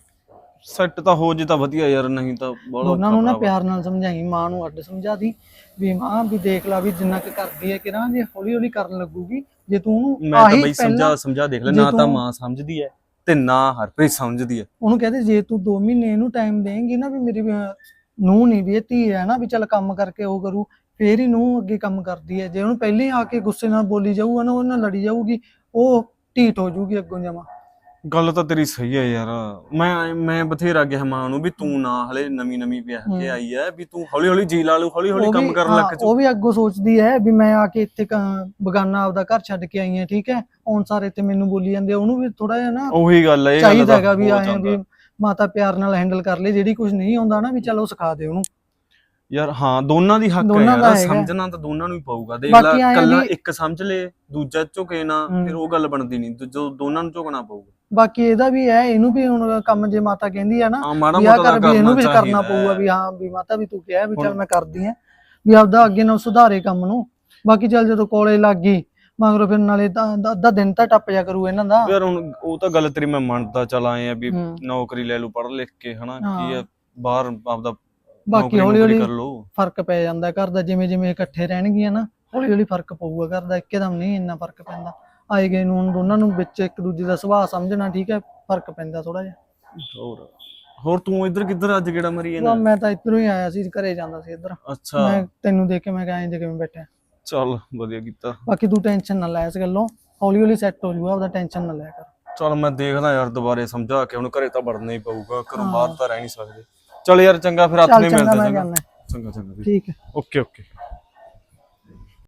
[SPEAKER 5] ਸੈੱਟ ਤਾਂ ਹੋ ਜੇ ਤਾਂ ਵਧੀਆ ਯਾਰ, ਨਹੀਂ ਤਾਂ ਬਹੁਤ
[SPEAKER 6] ਦੋਨਾਂ ਨੂੰ ਨਾ
[SPEAKER 5] ਔਖਾ
[SPEAKER 6] ਪਿਆਰ ਨਾਲ ਸਮਝਾਈ, ਮਾਂ ਨੂੰ ਅੱਡ ਸਮਝਾ ਦੀ ਵੀ ਮਾਂ ਵੀ ਦੇਖ ਲਾ ਵੀ ਜਿੰਨਾ ਕੁ ਕਰਦੀ ਹੈ ਕਿਰਾਂ, ਜੇ ਹੌਲੀ ਹੌਲੀ ਕਰਨ ਲੱਗੂਗੀ। ਜੇ ਤੂੰ ਉਹਨੂੰ
[SPEAKER 5] ਮੈਂ ਤਾਂ
[SPEAKER 6] ਆਹੀ
[SPEAKER 5] ਬਈ
[SPEAKER 6] ਪਹਿਲਾਂ
[SPEAKER 5] ਸਮਝਾ ਦੇਖ ਲੈ,
[SPEAKER 6] ਜੇ
[SPEAKER 5] ਨਾ ਤਾਂ
[SPEAKER 6] ਤੂੰ-
[SPEAKER 5] ਮਾਂ ਸਮਝਦੀ ਐ ਤੇ ਨਾ ਹਰਪ੍ਰੀਤ ਸਮਝਦੀ ਐ।
[SPEAKER 6] ਉਹਨੂੰ ਕਹਦੇ ਜੇ ਤੂੰ 2 ਮਹੀਨੇ ਇਹਨੂੰ ਟਾਈਮ ਦੇਂਗੀ ਨਾ, ਵੀ ਮੇਰੀ ਨੂੰਹ ਨਹੀਂ ਵੀ ਇਹ ਧੀ ਹੈ ਨਾ, ਵੀ ਚੱਲ ਕੰਮ ਕਰਕੇ ਉਹ ਕਰੂ, ਫੇਰ ਹੀ ਨੂੰਹ ਅੱਗੇ ਕੰਮ ਕਰਦੀ ਹੈ। ਜੇ ਉਹਨੂੰ ਪਹਿਲੇ ਆ ਕੇ ਗੁੱਸੇ ਨਾਲ ਬੋਲੀ ਜਾਊਗਾ ਨਾ, ਉਹ ਨਾਲ ਲੜੀ ਜਾਊਗੀ, ਉਹ ਢੀਠ ਹੋ ਜਾਊਗੀ ਅੱਗੋਂ ਜਮਾ।
[SPEAKER 5] ਗੱਲ ਤਾਂ ਤੇਰੀ ਸਹੀ ਹੈ ਯਾਰ। ਮੈਂ ਬਥੇਰਾ ਗਿਆ ਮਾਂ ਨੂੰ ਵੀ ਤੂੰ ਨਾ ਹਲੇ ਨਵੀਂ ਵਿਆਹ ਕੇ ਆਈ ਐ, ਵੀ ਤੂੰ ਹੌਲੀ ਹੌਲੀ ਜੀ ਲਾ ਲੂ, ਹੌਲੀ ਹੌਲੀ
[SPEAKER 6] ਉਹ
[SPEAKER 5] ਕੰਮ
[SPEAKER 6] ਵੀ-
[SPEAKER 5] ਕਰਨ
[SPEAKER 6] ਹਾਂ,
[SPEAKER 5] ਲੱਗ ਜਾ।
[SPEAKER 6] ਉਹ ਵੀ ਅੱਗੋਂ ਸੋਚਦੀ ਹੈ ਵੀ ਮੈਂ ਆ ਕੇ ਇੱਥੇ ਬਗਾਨਾ ਆਪਦਾ ਘਰ ਛੱਡ ਕੇ ਆਈ ਹਾਂ, ਠੀਕ ਹੈ, ਹੁਣ ਸਾਰੇ ਤੇ ਮੈਨੂੰ ਬੋਲੀ ਜਾਂਦੇ ਆ। ਉਹਨੂੰ ਵੀ ਥੋੜਾ ਜਿਹਾ ਨਾ
[SPEAKER 5] ਉਹੀ ਗੱਲ ਹੈ, ਇਹ ਗੱਲ
[SPEAKER 6] ਚਾਹੀਦਾ
[SPEAKER 5] ਤਾਂ
[SPEAKER 6] ਹੈਗਾ ਵੀ
[SPEAKER 5] ਹੋ
[SPEAKER 6] ਆਏ
[SPEAKER 5] ਜਾਂਦਾ।
[SPEAKER 6] ਵੀ ਮਾਤਾ ਪਿਆਰ ਨਾਲ ਹੈਂਡਲ ਕਰ ਲੈ, ਜਿਹੜੀ ਕੁਝ ਨਹੀਂ ਆਉਂਦਾ ਨਾ ਵੀ ਚੱਲ ਉਹ ਸਿਖਾ ਦੇ ਉਹਨੂੰ।
[SPEAKER 5] ਯਾਰ ਹਾਂ, ਦੋਨਾਂ ਦੀ ਹੱਕ ਹੈ
[SPEAKER 6] ਦੋਨਾਂ ਦਾ
[SPEAKER 5] ਯਾਰ,
[SPEAKER 6] ਹੈਗਾ।
[SPEAKER 5] ਸਮਝਣਾ ਤਾਂ ਦੋਨਾਂ ਨੂੰ ਹੀ ਪਊਗਾ। ਦੇਖ
[SPEAKER 6] ਬਾਕੀ
[SPEAKER 5] ਲੈ,
[SPEAKER 6] ਐਂ
[SPEAKER 5] ਕੱਲਾ
[SPEAKER 6] ਵੀ-
[SPEAKER 5] ਇੱਕ ਸਮਝ ਲੇ ਦੂਜਾ ਝੁਕੇ ਨਾ, ਫਿਰ ਉਹ ਗੱਲ ਬਣਦੀ ਨਹੀਂ। ਜੋ ਦੋਨਾਂ ਨੂੰ ਝੁਕਣਾ ਪਊਗਾ।
[SPEAKER 6] ਬਾਕੀ ਇਹਦਾ ਵੀ ਹੈ, ਇਹਨੂੰ ਵੀ ਹੁਣ ਕੰਮ ਜੇ ਮਾਤਾ ਕਹਿੰਦੀ ਆ ਨਾ
[SPEAKER 5] ਹਾਂ, ਮਾੜਾ
[SPEAKER 6] ਵੀ ਆਹ
[SPEAKER 5] ਮੋਟਾ
[SPEAKER 6] ਕਰ,
[SPEAKER 5] ਤਾਂ
[SPEAKER 6] ਵੀ ਇਹਨੂੰ ਵੀ ਕਰਨਾ
[SPEAKER 5] ਚਾਹੀਦਾ
[SPEAKER 6] ਪਊਗਾ
[SPEAKER 5] ਹੈ।
[SPEAKER 6] ਵੀ ਹਾਂ ਵੀ ਮਾਤਾ ਵੀ ਤੂੰ ਕਿਹਾ ਵੀ ਚੱਲ
[SPEAKER 5] ਹੁਣ-
[SPEAKER 6] ਮੈਂ ਕਰਦੀ ਆ, ਵੀ ਆਪਦਾ ਅੱਗੇ ਨਾਲ ਸੁਧਾਰੇ ਕੰਮ ਨੂੰ। ਬਾਕੀ ਚੱਲ ਜਦੋਂ ਕੋਲੇ ਲੱਗ ਗਈ ਮਗਰੋਂ ਫਿਰ ਨਾਲੇ ਤਾਂ ਅੱਧਾ ਦਿਨ ਤਾਂ ਟੱਪ ਜਾ ਕਰੂ ਇਹਨਾਂ ਦਾ।
[SPEAKER 5] ਯਾਰ ਹੁਣ ਉਹ ਤਾਂ ਗੱਲ ਤੇਰੀ ਮੈਂ ਮੰਨਦਾ ਚੱਲ ਆਏ ਆ ਵੀ
[SPEAKER 6] ਹੂੰ।
[SPEAKER 5] ਨੌਕਰੀ ਲੈ ਲੂ ਪੜ੍ਹ ਲਿਖ ਕੇ, ਹਨਾ
[SPEAKER 6] ਹਾਂ।
[SPEAKER 5] ਕੀ ਆ ਬਾਹਰ ਆਪਦਾ
[SPEAKER 6] ਬਾਕੀ
[SPEAKER 5] ਨੌਕਰੀ
[SPEAKER 6] ਹੌਲੀ
[SPEAKER 5] ਨੌਕਰੀ
[SPEAKER 6] ਹੌਲੀ
[SPEAKER 5] ਕਰ ਲੋ।
[SPEAKER 6] ਫਰਕ ਪੈ ਜਾਂਦਾ ਘਰ ਦਾ, ਜਿਵੇਂ ਜਿਵੇਂ ਇਕੱਠੇ ਰਹਿਣਗੀਆਂ ਨਾ ਹੌਲੀ ਹੌਲੀ ਫਰਕ ਪਊਗਾ ਘਰ ਦਾ, ਇੱਕਦਮ ਨਹੀਂ ਇੰਨਾ ਫਰਕ ਪੈਂਦਾ। ਆਏ ਗਏ ਨੂੰ ਹੁਣ ਦੋਨਾਂ ਨੂੰ ਵਿੱਚ ਇੱਕ ਦੂਜੇ ਦਾ ਸੁਭਾਅ ਸਮਝਣਾ, ਠੀਕ ਹੈ, ਫਰਕ ਪੈਂਦਾ ਥੋੜਾ ਜਿਹਾ।
[SPEAKER 5] ਹੋਰ ਤੂੰ ਇੱਧਰ ਕਿੱਧਰ ਅੱਜ ਕਿਹੜਾ ਮਰੀ ਜਾਂਦਾ?
[SPEAKER 6] ਮੈਂ ਤਾਂ ਇੱਧਰੋਂ ਹੀ ਆਇਆ ਸੀ, ਘਰੇ ਜਾਂਦਾ ਸੀ ਇੱਧਰ।
[SPEAKER 5] ਅੱਛਾ,
[SPEAKER 6] ਮੈਂ ਤੈਨੂੰ ਦੇਖ ਕੇ ਮੈਂ ਕਿਹਾ ਇੰਜ ਕਿਵੇਂ ਬੈਠਾ।
[SPEAKER 5] ਚੱਲ ਵਧੀਆ ਕੀਤਾ।
[SPEAKER 6] ਬਾਕੀ ਤੂੰ ਟੈਨਸ਼ਨ ਨਾ ਲੈ ਇਸ ਗੱਲੋਂ, ਹੌਲੀ ਹੌਲੀ ਸੈੱਟ ਹੋ ਜਾਊਗਾ, ਆਪਦਾ ਟੈਨਸ਼ਨ ਨਾ ਲਿਆ ਕਰ।
[SPEAKER 5] ਚੱਲ ਮੈਂ ਦੇਖਦਾ ਯਾਰ, ਦੁਬਾਰੇ ਸਮਝਾ ਕੇ। ਹੁਣ ਘਰੇ ਤਾਂ ਵੜਨਾ ਹੀ ਪਊਗਾ, ਘਰੋਂ ਬਾਹਰ ਤਾਂ ਰਹਿ ਨਹੀਂ ਸਕਦੇ। ਚੱਲ ਯਾਰ ਚੰਗਾ, ਫਿਰ ਹੱਥ
[SPEAKER 6] ਚੱਲ
[SPEAKER 5] ਨਹੀਂ
[SPEAKER 6] ਚੰਗਾ,
[SPEAKER 5] ਮਿਲਦੇ।
[SPEAKER 6] ਮੈਂ
[SPEAKER 5] ਚੰਗਾ
[SPEAKER 6] ਜਾਣਾ।
[SPEAKER 5] ਚੰਗਾ
[SPEAKER 6] ਠੀਕ ਹੈ।
[SPEAKER 5] Okay okay.